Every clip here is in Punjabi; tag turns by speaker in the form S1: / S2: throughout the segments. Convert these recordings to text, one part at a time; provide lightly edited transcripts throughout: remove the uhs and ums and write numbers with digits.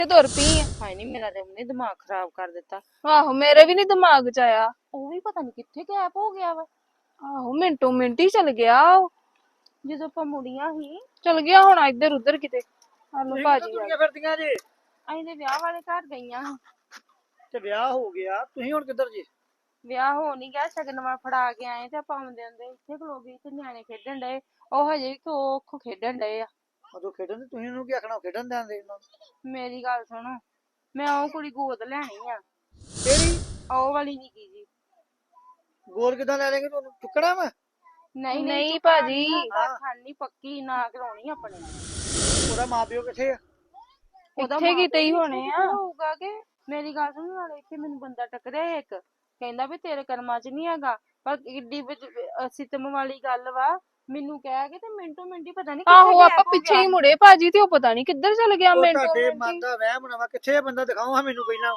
S1: ਤੁਰ ਪਈ ਆ।
S2: ਹਾਏ ਨਹੀਂ ਮੇਰਾ ਤੇ ਉਹਨੇ ਦਿਮਾਗ ਖਰਾਬ ਕਰ ਦਿੱਤਾ।
S1: ਆਹੋ ਮੇਰੇ ਵੀ ਨੀ ਦਿਮਾਗ ਚ ਆਇਆ।
S2: ਉਹ ਵੀ ਪਤਾ ਨਹੀਂ ਕਿੱਥੇ ਗਾਇਬ ਹੋ ਗਿਆ ਵਾ।
S1: ਆਹੋ ਮਿੰਟੋ ਮਿੰਟ ਹੀ ਚਲ ਗਿਆ ਉਹ।
S2: ਜਦੋਂ ਆਪਾਂ ਮੁੜੀਆਂ ਸੀ
S1: ਚਲ ਗਿਆ ਹੁਣ ਇੱਧਰ ਉੱਧਰ ਕਿਤੇ। ਹਲੋ ਭਾਜੀ
S3: ਤੁਰੀਆਂ ਫਿਰਦੀਆਂ ਜੇ
S2: ਅਸੀਂ ਤੇ ਵਿਆਹ ਵਾਲੇ ਘਰ ਗਈਆਂ ਸੀ।
S3: ਤੇ ਵਿਆਹ ਹੋ ਗਿਆ, ਤੁਸੀਂ ਹੁਣ ਕਿੱਧਰ ਜੇ?
S2: ਵਿਆਹ ਹੋ ਨਹੀਂ ਗਿਆ, ਸ਼ਗਨਵਾ ਫੜਾ ਕੇ ਆਏ ਤੇ ਆਪਾਂ ਆਉਂਦੇ ਆਉਂਦੇ ਇੱਥੇ ਖਲੋ ਗਏ ਤੇ ਨਿਆਣੇ ਖੇਡਣ ਡਏ। ਉਹ ਹਜੇ ਵੀ ਖੋ ਖੇਡਣ ਡਏ ਆ।
S3: ਉਦੋਂ ਖੇਡਣ ਦੇ ਤੁਸੀਂ ਉਹਨੂੰ ਕੀ ਆਖਣਾ, ਖੇਡਣ ਦੇਂਦੇ ਇਹਨਾਂ ਨੂੰ।
S2: ਮੇਰੀ ਗੱਲ ਸੁਣੋ, ਮੈਂ ਉਹ ਕੁੜੀ ਗੋਦ ਲੈਣੀ ਆ।
S3: ਕਿਹੜੀ
S2: ਉਹ ਵਾਲੀ ਨਿੱਕੀ ਜੀ।
S3: ਗੋਲ ਕਿੱਦਾਂ ਲੈ ਲੈਂਗੇ, ਤੁਹਾਨੂੰ ਚੁੱਕਣਾ ਵਾ?
S2: ਨਹੀਂ
S1: ਨਹੀਂ ਭਾਜੀ।
S2: ਖਾਣੀ ਪੱਕੀ ਨਾ ਕਰਾਉਣੀ ਆਪਣੇ
S3: ਉਹਦਾ ਮਾਪਿਓ ਕਿੱਥੇ ਆ?
S1: ਇੱਥੇ ਕਿਤੇ ਹੀ ਹੋਣੇ ਆ।
S2: ਹੋਊਗਾ ਕਿ ਮੇਰੀ ਗੱਲ ਸੁਣ, ਨਾਲੇ ਇੱਥੇ ਮੈਨੂੰ ਬੰਦਾ ਟੱਕਰਿਆ ਇੱਕ, ਕਹਿੰਦਾ ਵੀ ਤੇਰੇ ਕਰਮਾਂ ਚ ਨਹੀਂ ਹੈਗਾ, ਪਰ ਕਿੱਡੀ ਸਿਤਮ ਵਾਲੀ ਗੱਲ ਵਾ। ਮੈਨੂੰ ਕਹਿ ਕੇ ਤੇ ਮਿੰਟੋ ਮਿੰਟ ਹੀ ਪਤਾ ਨਹੀਂ
S1: ਆਹੋ ਆਪਾਂ ਪਿੱਛੇ ਹੀ ਮੁੜੇ ਭਾਜੀ ਤੇ ਉਹ ਪਤਾ ਨੀ ਕਿੱਧਰ ਚਲ ਗਿਆ।
S3: ਉਹ
S1: ਮਿੰਟੋ
S3: ਤੁਹਾਡੇ
S1: ਮਿੰਟ
S3: ਮਨ
S1: ਹੀ।
S3: ਦਾ ਵਹਿਮ ਨਾ ਵਾ, ਕਿੱਥੇ ਆ ਬੰਦਾ? ਦਿਖਾਓ ਹਾਂ ਮੈਨੂੰ ਪਹਿਲਾਂ।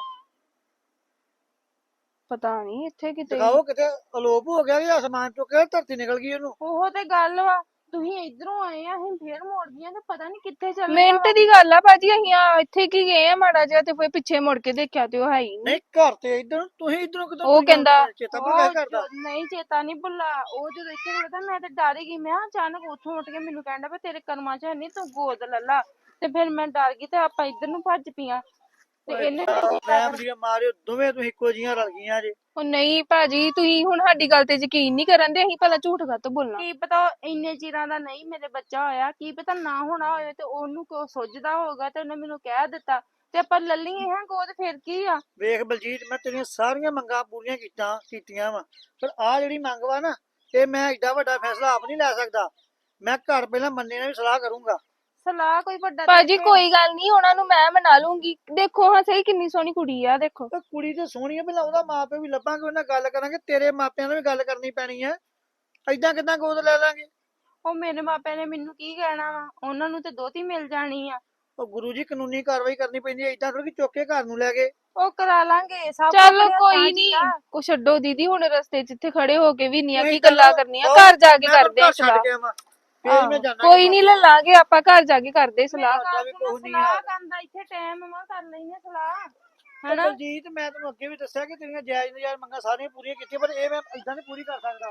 S1: ਪਤਾ ਨੀ ਇੱਥੇ ਕਿਤੇ।
S3: ਦਿਖਾਓ ਕਿਤੇ ਅਲੋਪ ਹੋ ਗਿਆ ਕਿ ਅਸਮਾਨ ਚੋਂ ਕਿ ਧਰਤੀ ਨਿਕਲ ਗਈ ਉਹਨੂੰ।
S2: ਉਹ ਤੇ ਗੱਲ ਵਾ, ਤੁਸੀਂ ਇਧਰੋਂ ਆਏ ਆ, ਅਸੀਂ ਫੇਰ ਮੋੜ ਗਈਆਂ ਤੇ ਪਤਾ ਨਹੀਂ ਕਿੱਥੇ ਚੱਲ
S1: ਮਿੰਟ ਦੀ ਗੱਲ ਆ ਭਾਜੀ। ਅਸੀਂ ਇੱਥੇ ਕੀ ਗਏ ਆ ਮਾੜਾ ਜਿਹਾ ਤੇ ਫਿਰ ਪਿੱਛੇ ਮੁੜ ਕੇ ਦੇਖਿਆ ਤੇ ਉਹ ਹੈ ਹੀ ਨਹੀਂ।
S3: ਨਹੀਂ ਘਰ ਤੇ ਇਧਰ, ਤੁਸੀਂ ਇਧਰੋਂ ਕਿਦੋਂ?
S1: ਉਹ ਕਹਿੰਦਾ
S3: ਚੇਤਾ ਭੁੱਲ ਗਿਆ ਘਰ ਦਾ।
S2: ਨਹੀਂ ਚੇਤਾ ਨਹੀਂ ਭੁੱਲਾ। ਉਹ ਜਦੋਂ ਇੱਥੇ ਖੜਦਾ ਮੈਂ ਤੇ ਡਰ ਹੀ ਗਈ। ਮੈਂ ਕਿਹਾ ਅਚਾਨਕ ਉੱਥੋਂ ਉੱਠ ਕੇ ਮੈਨੂੰ ਕਹਿੰਦਾ ਵੀ ਤੇਰੇ ਕਰਮਾਂ ਚ ਹੈ ਨਹੀਂ, ਤੂੰ ਗੋਦ ਲੈ ਲਾ। ਤੇ ਫਿਰ ਮੈਂ ਡਰ ਗਈ ਤੇ ਆਪਾਂ ਇੱਧਰ ਨੂੰ ਭੱਜ ਪਈਆਂ ਤੇ ਇਹਨੇ
S3: ਵਹਿਮ ਦੀਆਂ ਮਾਰਿਓ ਦੋਵੇਂ, ਤੁਸੀਂ ਇੱਕੋ ਜੀਆਂ ਰਲ ਗਈਆਂ ਜੇ।
S1: ਉਹ ਨਹੀਂ ਭਾਜੀ, ਤੁਸੀਂ ਹੁਣ ਸਾਡੀ ਗੱਲ ਤੇ ਯਕੀਨ ਨਹੀਂ ਕਰਨ ਦੇ। ਅਸੀਂ ਭਲਾ ਝੂਠ ਕਾਹਤੋਂ ਬੋਲਣਾ।
S2: ਕੀ ਪਤਾ ਇੰਨੇ ਚਿਰਾਂ ਦਾ ਨਹੀਂ ਮੇਰੇ ਬੱਚਾ ਹੋਇਆ, ਕੀ ਪਤਾ ਨਾ ਹੋਣਾ ਹੋਵੇ ਤੇ ਉਹਨੂੰ ਕੋ ਸੁੱਝਦਾ ਹੋਊਗਾ ਤੇ ਉਹਨੇ ਮੈਨੂੰ ਕਹਿ ਦਿੱਤਾ ਤੇ ਆਪਾਂ ਲੱਲੀਏ ਹਾਂ ਗੋਦ, ਫਿਰ ਕੀ ਆ।
S3: ਵੇਖ ਬਲਜੀਤ, ਮੈਂ ਤੇਰੀਆਂ ਸਾਰੀਆਂ ਮੰਗਾਂ ਪੂਰੀਆਂ ਕੀਤੀਆਂ ਵਾ, ਪਰ ਆਹ ਜਿਹੜੀ ਮੰਗ ਵਾ ਨਾ, ਇਹ ਮੈਂ ਏਡਾ ਵੱਡਾ ਫੈਸਲਾ ਆਪ ਨਹੀਂ ਲੈ ਸਕਦਾ। ਮੈਂ ਘਰ ਪਹਿਲਾਂ ਮੰਨੇ ਨਾਲ ਵੀ ਸਲਾਹ ਕਰੂੰਗਾ।
S2: ਸਲਾਹ ਕੋਈ ਵੱਡਾ
S1: ਭਾਜੀ ਕੋਈ ਗੱਲ ਨਹੀਂ, ਉਹਨਾਂ ਨੂੰ ਮੈਂ ਮਨਾ ਲੂੰਗੀ। ਦੇਖੋ ਹਾਂ ਸਹੀ ਕਿੰਨੀ ਸੋਹਣੀ ਕੁੜੀ ਆ, ਦੇਖੋ।
S3: ਤੇ ਕੁੜੀ ਤੇ ਸੋਹਣੀ ਆ, ਪਹਿਲਾਂ ਉਹਦਾ ਮਾਪਿਓ ਵੀ ਲੱਭਾਂਗੇ, ਉਹਨਾਂ ਗੱਲ ਕਰਾਂਗੇ। ਤੇਰੇ ਮਾਪਿਆਂ ਨਾਲ ਵੀ ਗੱਲ ਕਰਨੀ ਪੈਣੀ ਹੈ। ਏਦਾਂ ਕਿੱਦਾਂ ਗੋਦ ਲੈ ਲਾਂਗੇ?
S2: ਉਹ ਮੇਰੇ ਮਾਪਿਆਂ ਨੇ ਮੈਨੂੰ ਕੀ ਕਹਿਣਾ ਵਾ, ਉਹਨਾਂ ਨੂੰ ਤੇ ਦੋਤੀ ਮਿਲ ਜਾਣੀ ਆ।
S3: ਉਹ ਗੁਰੂ ਜੀ, ਕਾਨੂੰਨੀ ਕਾਰਵਾਈ ਕਰਨੀ ਪੈਂਦੀ ਹੈ। ਏਦਾਂ ਥੋੜੀ ਚੁੱਕ ਕੇ ਘਰ ਨੂੰ ਲੈ ਗਏ।
S2: ਉਹ ਕਰਾ ਲਾਂਗੇ ਸਭ।
S1: ਚੱਲ ਕੋਈ ਨੀ, ਕੋ ਛੱਡੋ ਦੀਦੀ। ਹੁਣ ਰਸਤੇ 'ਚ ਇੱਥੇ ਖੜੇ ਹੋ ਕੇ ਵੀ ਨਹੀਂ ਆ ਕੀ ਗੱਲਾਂ ਕਰਨੀਆਂ। ਘਰ ਜਾ ਕੇ ਕਰਦੇ ਆ ਸਲਾਹ।
S3: ਫੇਰ ਮੈਂ ਜਾਣਾ।
S1: ਕੋਈ ਨਹੀਂ, ਲੈ ਲਾਂਗੇ ਆਪਾਂ। ਘਰ ਜਾ ਕੇ ਕਰਦੇ ਸਲਾਹ।
S2: ਸਲਾਹ ਕਰਦਾ ਇੱਥੇ ਟਾਈਮ ਮਾ ਕਰ ਲੈਨੇ ਸਲਾਹ, ਹਨਾ।
S3: ਬਲਜੀਤ, ਮੈਂ ਤੈਨੂੰ ਅੱਗੇ ਵੀ ਦੱਸਿਆ ਕਿ ਤੇਰੀਆਂ ਜਾਇਜ਼ ਨਜਾਇਜ਼ ਮੰਗਾਂ ਸਾਰੀਆਂ ਪੂਰੀਆਂ ਕੀਤੀਆਂ, ਪਰ ਇਹ ਮੈਂ ਏਦਾਂ ਨਹੀਂ ਪੂਰੀ ਕਰ ਸਕਦਾ।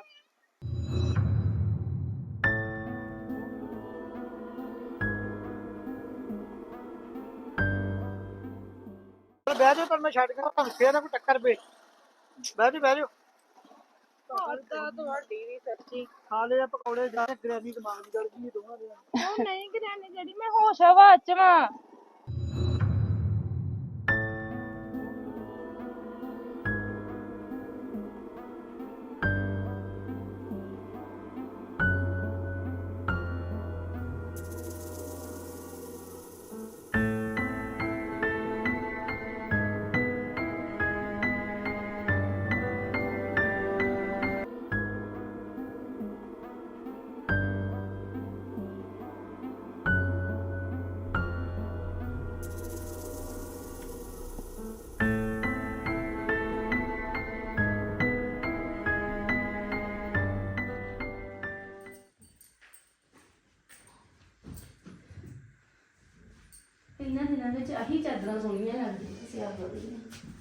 S3: ਬਹਿ ਜਾਓ, ਪਰ ਮੈਂ ਛੱਡ ਗਿਆ ਤੁਹਾਨੂੰ ਫੇਰ ਨਾ ਕੋਈ ਟੱਕਰ ਪਏ। ਬਹਿ ਜਾਓ।
S2: ਤੁਹਾਡੀ ਵੀ ਸੱਚੀ।
S3: ਹਾਲੇ ਆ ਪਕੌੜੇ ਜਾ ਗ੍ਰੈਨੀ ਦਿਮਾਗ ਦੀ ਗੜ ਗਈ ਦੋਵਾਂ ਦੇ।
S2: ਉਹ ਨਹੀਂ ਗਰਾਨੇ ਜਿਹੜੀ ਮੈਂ ਹੋਸ਼ ਹਵਾ ਚ ਵਾਂ।
S4: ਇਹਨਾਂ ਦਿਨਾਂ ਵਿੱਚ ਆਹੀ ਚਾਦਰਾਂ ਸੋਹਣੀਆਂ ਲੱਗਦੀਆਂ ਸਿਆਲ ਦੀਆਂ।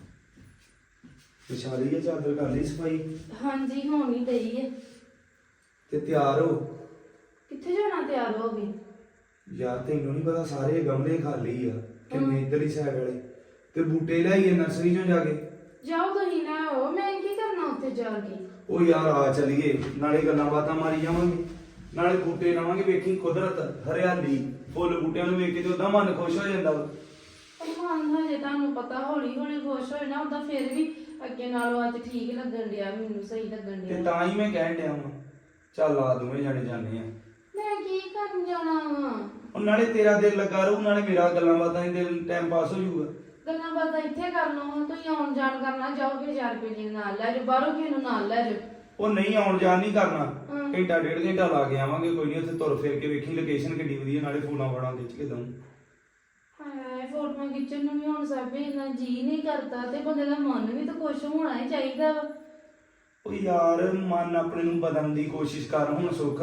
S5: ਵਿਛਾਲੀ ਹੈ ਚਾਦਰ, ਕਰ ਲਈ ਸਫਾਈ?
S4: ਹਾਂਜੀ ਹੋਣੀ ਡਈ ਹੈ।
S5: ਤੇ ਤਿਆਰ ਹੋ।
S4: ਕਿੱਥੇ ਜਾਣਾ ਤਿਆਰ ਹੋ ਗਏ?
S5: ਯਾਰ ਤੈਨੂੰ ਨਹੀਂ ਪਤਾ, ਸਾਰੇ ਗਮਲੇ ਖਾਲੀ ਆ ਕਿੰਨੇ ਇਧਰਲੀ ਸਾਈਡ ਵਾਲੇ, ਤੇ ਬੂਟੇ ਲਿਆਈਏ ਨਰਸਰੀ ਚੋਂ ਜਾ ਕੇ।
S4: ਜਾਓ ਤੁਸੀਂ ਨਾ ਹੋ, ਮੈਂ ਕੀ ਕਰਨਾ ਉੱਥੇ ਜਾ ਕੇ।
S5: ਉਹ ਯਾਰ ਆ ਚਲੀਏ, ਨਾਲੇ ਗੱਲਾਂ ਬਾਤਾਂ ਮਾਰੀ ਜਾਵਾਂਗੇ, ਨਾਲੇ ਬੂਟੇ ਲਾਵਾਂਗੇ। ਵੇਖੀ ਕੁਦਰਤ, ਹਰਿਆਲੀ, ਫੁੱਲ ਬੂਟਿਆਂ ਨੂੰ ਵੇਖ ਕੇ ਤੇ ਉਹਦਾ ਮਨ ਖੁਸ਼ ਹੋ ਜਾਂਦਾ ਵਾ।
S4: ਮਨ ਹਜੇ ਤੁਹਾਨੂੰ ਪਤਾ ਹੌਲੀ ਹੌਲੀ ਖੁਸ਼ ਹੋਏ ਨਾ, ਉਹਦਾ ਫਿਰ ਵੀ ਅੱਗੇ ਨਾਲੋਂ ਅੱਜ ਠੀਕ ਲੱਗਣ ਡਿਆ, ਮੈਨੂੰ ਸਹੀ ਲੱਗਣ
S5: ਤੇ
S4: ਡਿਆ।
S5: ਤਾਂ ਹੀ ਮੈਂ ਕਹਿਣ ਡਿਆ ਵਾਂ, ਚੱਲ ਆ ਦੋਵੇਂ ਜਾਣੇ ਜਾਂਦੇ ਆ।
S4: ਮੈਂ ਕੀ ਕਰਨ ਜਾਣਾ ਵਾ?
S5: ਉਹ ਨਾਲੇ ਤੇਰਾ ਦਿਲ ਲੱਗਾ ਰਹੂ, ਨਾਲੇ ਮੇਰਾ ਗੱਲਾਂ ਬਾਤਾਂ ਹੀ ਦਿਲ ਟਾਈਮ ਪਾਸ ਹੋ ਜਾਊਗਾ।
S4: ਗੱਲਾਂ ਬਾਤਾਂ ਇੱਥੇ ਕਰ ਲਓ, ਤੁਸੀਂ ਆਉਣ ਜਾਣ ਕਰਨਾ, ਜਾਓਗੇ 1000 ਰੁਪਏ ਜੀ ਨਾਲ ਲੈ ਜਾਓ, ਬਾਹਰੋਂ ਕਿਸੇ ਨੂੰ ਨਾਲ ਲੈ ਜਾਓ।
S5: ਉਹ ਨਹੀਂ, ਆਉਣ ਜਾਣ ਨਹੀਂ ਕਰਨਾ, ਘੰਟਾ ਡੇਢ ਘੰਟਾ ਲਾ ਕੇ ਆਵਾਂਗੇ। ਕੋਈ ਨਹੀਂ, ਉੱਥੇ ਤੁਰ ਫਿਰ ਕੇ ਵੇਖੀ ਲੋਕੇਸ਼ਨ ਕਿੱਡੀ ਵਧੀਆ, ਨਾਲੇ ਫੋਟੋਆਂ ਫਾਟਾਂ ਖਿੱਚ ਕੇ ਦਊਂ।
S4: ਹਾਏ ਫੋਟੋਆਂ ਖਿੱਚਣ ਨੂੰ ਵੀ ਹੁਣ ਸਭ ਇੰਨਾ ਜੀ ਨਹੀਂ ਕਰਦਾ, ਤੇ ਬੰਦੇ ਦਾ ਮਨ ਵੀ ਤਾਂ ਖੁਸ਼ ਹੋਣਾ ਹੀ ਚਾਹੀਦਾ ਵਾ।
S5: ਉਹ ਯਾਰ ਮਨ ਆਪਣੇ ਨੂੰ ਬਦਲਣ ਦੀ ਕੋਸ਼ਿਸ਼ ਕਰ ਹੁਣ ਸੁੱਖ।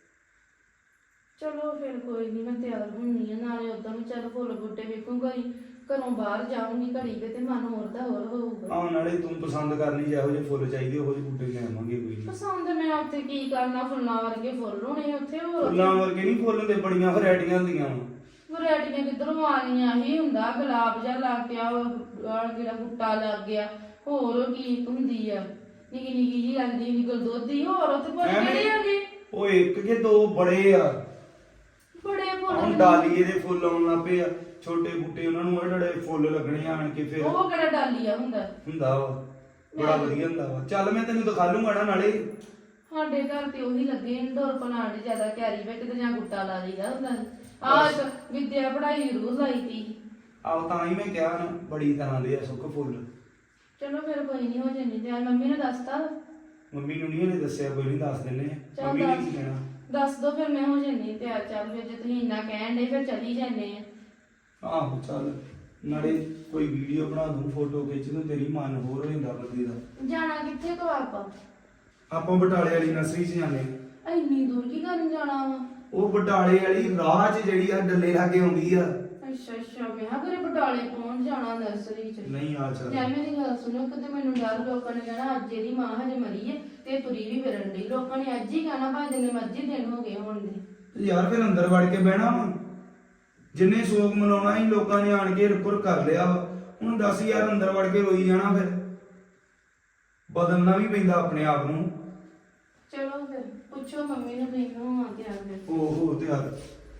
S4: ਚਲੋ ਫਿਰ ਕੋਈ ਨਹੀਂ, ਮੈਂ ਤਿਆਰ ਹੁੰਨੀ ਆ। ਨਾਲੇ ਉਦਾਂ ਵੀ ਚੱਲ ਫੁੱਲ ਬੂਟੇ ਵੇਖੂੰਗਾ ਹੀ, ਘਰੋਂ ਬਾਹਰ ਜਾਊਂਗੀ ਘੜੀ ਕੇ ਤੇ ਮਨ ਹੋਰ ਦਾ ਹੋਰ ਹੋਊਗਾ।
S5: ਆਹ ਨਾਲੇ ਤੂੰ ਪਸੰਦ ਕਰ ਲਈ ਜਿਹੋ ਜਿਹੇ ਫੁੱਲ ਚਾਹੀਦੇ ਉਹੋ ਜਿਹੇ ਬੂਟੇ ਲੈ ਆਵਾਂਗੇ ਕੋਈ ਨਹੀਂ।
S4: ਪਸੰਦ ਮੈਂ ਉੱਥੇ ਕੀ ਕਰਨਾ, ਫੁੱਲਾਂ ਵਰਗੇ ਫੁੱਲ ਹੋਣੇ ਉੱਥੇ। ਹੋਰ
S5: ਫੁੱਲਾਂ ਵਰਗੇ ਨਹੀਂ ਫੁੱਲ ਹੁੰਦੇ, ਬੜੀਆਂ ਵੈਰਾਈਟੀਆਂ ਹੁੰਦੀਆਂ ਵਾ।
S4: ਵੈਰਾਈਟੀਆਂ ਕਿੱਧਰੋਂ ਆ ਗਈਆਂ? ਹੀ ਹੁੰਦਾ ਗੁਲਾਬ ਜਿਹਾ ਲੱਗ ਪਿਆ, ਆਹ ਜਿਹੜਾ ਬੂਟਾ ਲੱਗ ਗਿਆ, ਹੋਰ ਕੀ ਹੁੰਦੀ ਆ ਨਿੱਕੀ ਨਿੱਕੀ ਜੀ ਲੱਗਦੀ ਨਿਕਲ ਦੋਧੀ। ਹੋਰ ਉੱਥੇ ਫੁੱਲ ਕਿਹੜੇ ਹੈਗੇ?
S5: ਉਹ ਇੱਕ ਕਿ ਦੋ ਬੜੇ ਆ,
S4: ਬੜੇ
S5: ਹੁਣ
S4: ਫੁੱਲ
S5: ਡਾਲੀਏ ਦੇ ਫੁੱਲ ਆਉਣ ਲੱਗ ਪਏ ਆ, ਛੋਟੇ ਬੂਟੇ ਉਹਨਾਂ ਨੂੰ ਜਿਹੜੇ ਫੁੱਲ ਲੱਗਣੇ ਆਣ ਕੇ ਫਿਰ
S4: ਉਹ ਕਿਹੜਾ ਡਾਲੀਆ ਹੁੰਦਾ?
S5: ਹੁੰਦਾ ਵਾ, ਬੜਾ ਵਧੀਆ ਹੁੰਦਾ ਵਾ। ਚੱਲ ਮੈਂ ਤੈਨੂੰ ਦਿਖਾ ਲੂੰਗਾ ਨਾ ਨਾਲੇ।
S4: ਸਾਡੇ ਘਰ ਤੇ ਉਹੀ ਲੱਗੇ ਇੰਡੋਰ ਪਲਾਂਟ ਜ਼ਿਆਦਾ ਕੈਰੀ ਵਿੱਚ ਤੇ ਜਾਂ ਗੁੱਟਾ ਲਾ ਲਈਦਾ ਹੁੰਦਾ। ਆਹ ਇੱਕ ਵਿਦਿਆ ਪੜ੍ਹਾਈ ਜ਼ਰੂਰ ਲਾਈ ਤੀ।
S5: ਆਹ ਤਾਂ ਹੀ ਮੈਂ ਕਿਹਾ ਨਾ ਬੜੀ ਤਰ੍ਹਾਂ ਦੇ ਆ ਸੁੱਕ ਫੁੱਲ।
S4: ਚਲੋ ਫਿਰ ਕੋਈ ਨਹੀਂ, ਹੋ ਜਾਣੀ ਤੇ ਮੰਮੀ ਨੇ ਦੱਸਤਾ।
S5: ਮੰਮੀ ਨੂੰ ਨਹੀਂ ਉਹਨੇ ਦੱਸਿਆ, ਕੋਈ ਨਹੀਂ ਦੱਸ ਦਿੰਨੇ ਆ।
S4: ਚੱਲ
S5: ਮੰਮੀ ਨੇ ਕੀ ਕਹਿਣਾ?
S4: ਦੱਸ ਦੋ ਫਿਰ ਮੈਂ ਹੋ ਜਾਣੀ ਤਿਆਰ। ਚੱਲ ਫਿਰ ਜੇ ਤੁਸੀਂ ਇੰਨਾ ਕਹਿਣ ਦੇ ਫਿਰ ਚਲੀ ਜਾਂਦੇ ਆ।
S5: ਆਹੋ ਚੱਲ, ਨਾਲੇ ਕੋਈ ਵੀਡੀਓ ਬਣਾ ਦੂੰ, ਫੋਟੋ ਖਿੱਚ ਦੂੰ, ਤੇਰੀ ਮਨ ਹੋਰ ਹੋ ਜਾਂਦਾ ਬੰਦੇ ਦਾ।
S4: ਜਾਣਾ ਕਿੱਥੇ ਤੋਂ
S5: ਆਪਾਂ ਬਟਾਲੇ ਵਾਲੀ ਨਰਸਰੀ 'ਚ ਜਾਂਦੇ ਆ।
S4: ਇੰਨੀ ਦੂਰ ਕੀ ਕਰਨ ਜਾਣਾ ਵਾ?
S5: ਉਹ ਬਟਾਲੇ ਵਾਲੀ ਰਾਹ 'ਚ ਜਿਹੜੀ ਆ ਡੱਲੇ ਲਾਗੇ ਆਉਂਦੀ ਆ।
S4: ਅੱਛਾ ਅੱਛਾ, ਮੈਂ ਕਿਹਾ ਘਰੇ ਬਟਾਲੇ ਪਹੁੰਚ ਜਾਣਾ ਨਰਸਰੀ ਚ।
S5: ਨਹੀਂ ਆ ਚੱਲ।
S4: ਯਾਰ ਮੇਰੀ ਗੱਲ ਸੁਣੋ, ਕਿਤੇ ਮੈਨੂੰ ਡਰ ਲੋਕਾਂ ਨੇ ਕਹਿਣਾ ਅੱਜ ਇਹਦੀ ਮਾਂ ਹਜੇ ਮਰੀ ਹੈ ਤੇ ਤੁਰੀ ਵੀ ਫਿਰਨ ਡਈ। ਲੋਕਾਂ ਨੇ ਅੱਜ ਹੀ ਕਹਿਣਾ ਭਾਵੇਂ ਜਿੰਨੇ ਮਰਜ਼ੀ ਦਿਨ ਹੋ ਗਏ ਹੋਣ ਦੇ।
S5: ਯਾਰ ਫਿਰ ਅੰਦਰ ਵੜ ਕੇ ਬਹਿਣਾ ਵਾ, ਜਿੰਨੇ ਸੋਗ ਮਨਾਉਣਾ ਹੀ ਲੋਕਾਂ ਨੇ ਆਣ ਕੇ ਰੁਕਰ ਕਰ ਲਿਆ ਵਾ। ਹੁਣ ਦੱਸ ਯਾਰ, ਅੰਦਰ ਵੜ ਕੇ ਰੋਈ ਜਾਣਾ, ਫਿਰ ਬਦਲਣਾ ਵੀ ਪੈਂਦਾ ਆਪਣੇ ਆਪ ਨੂੰ।
S4: ਚਲੋ ਫਿਰ ਪੁੱਛੋ ਮੰਮੀ ਨੂੰ, ਤੁਸੀਂ ਨੂੰ ਆ ਕੇ ਆ ਫਿਰ।
S5: ਓਹੋ ਤੇ ਯਾਰ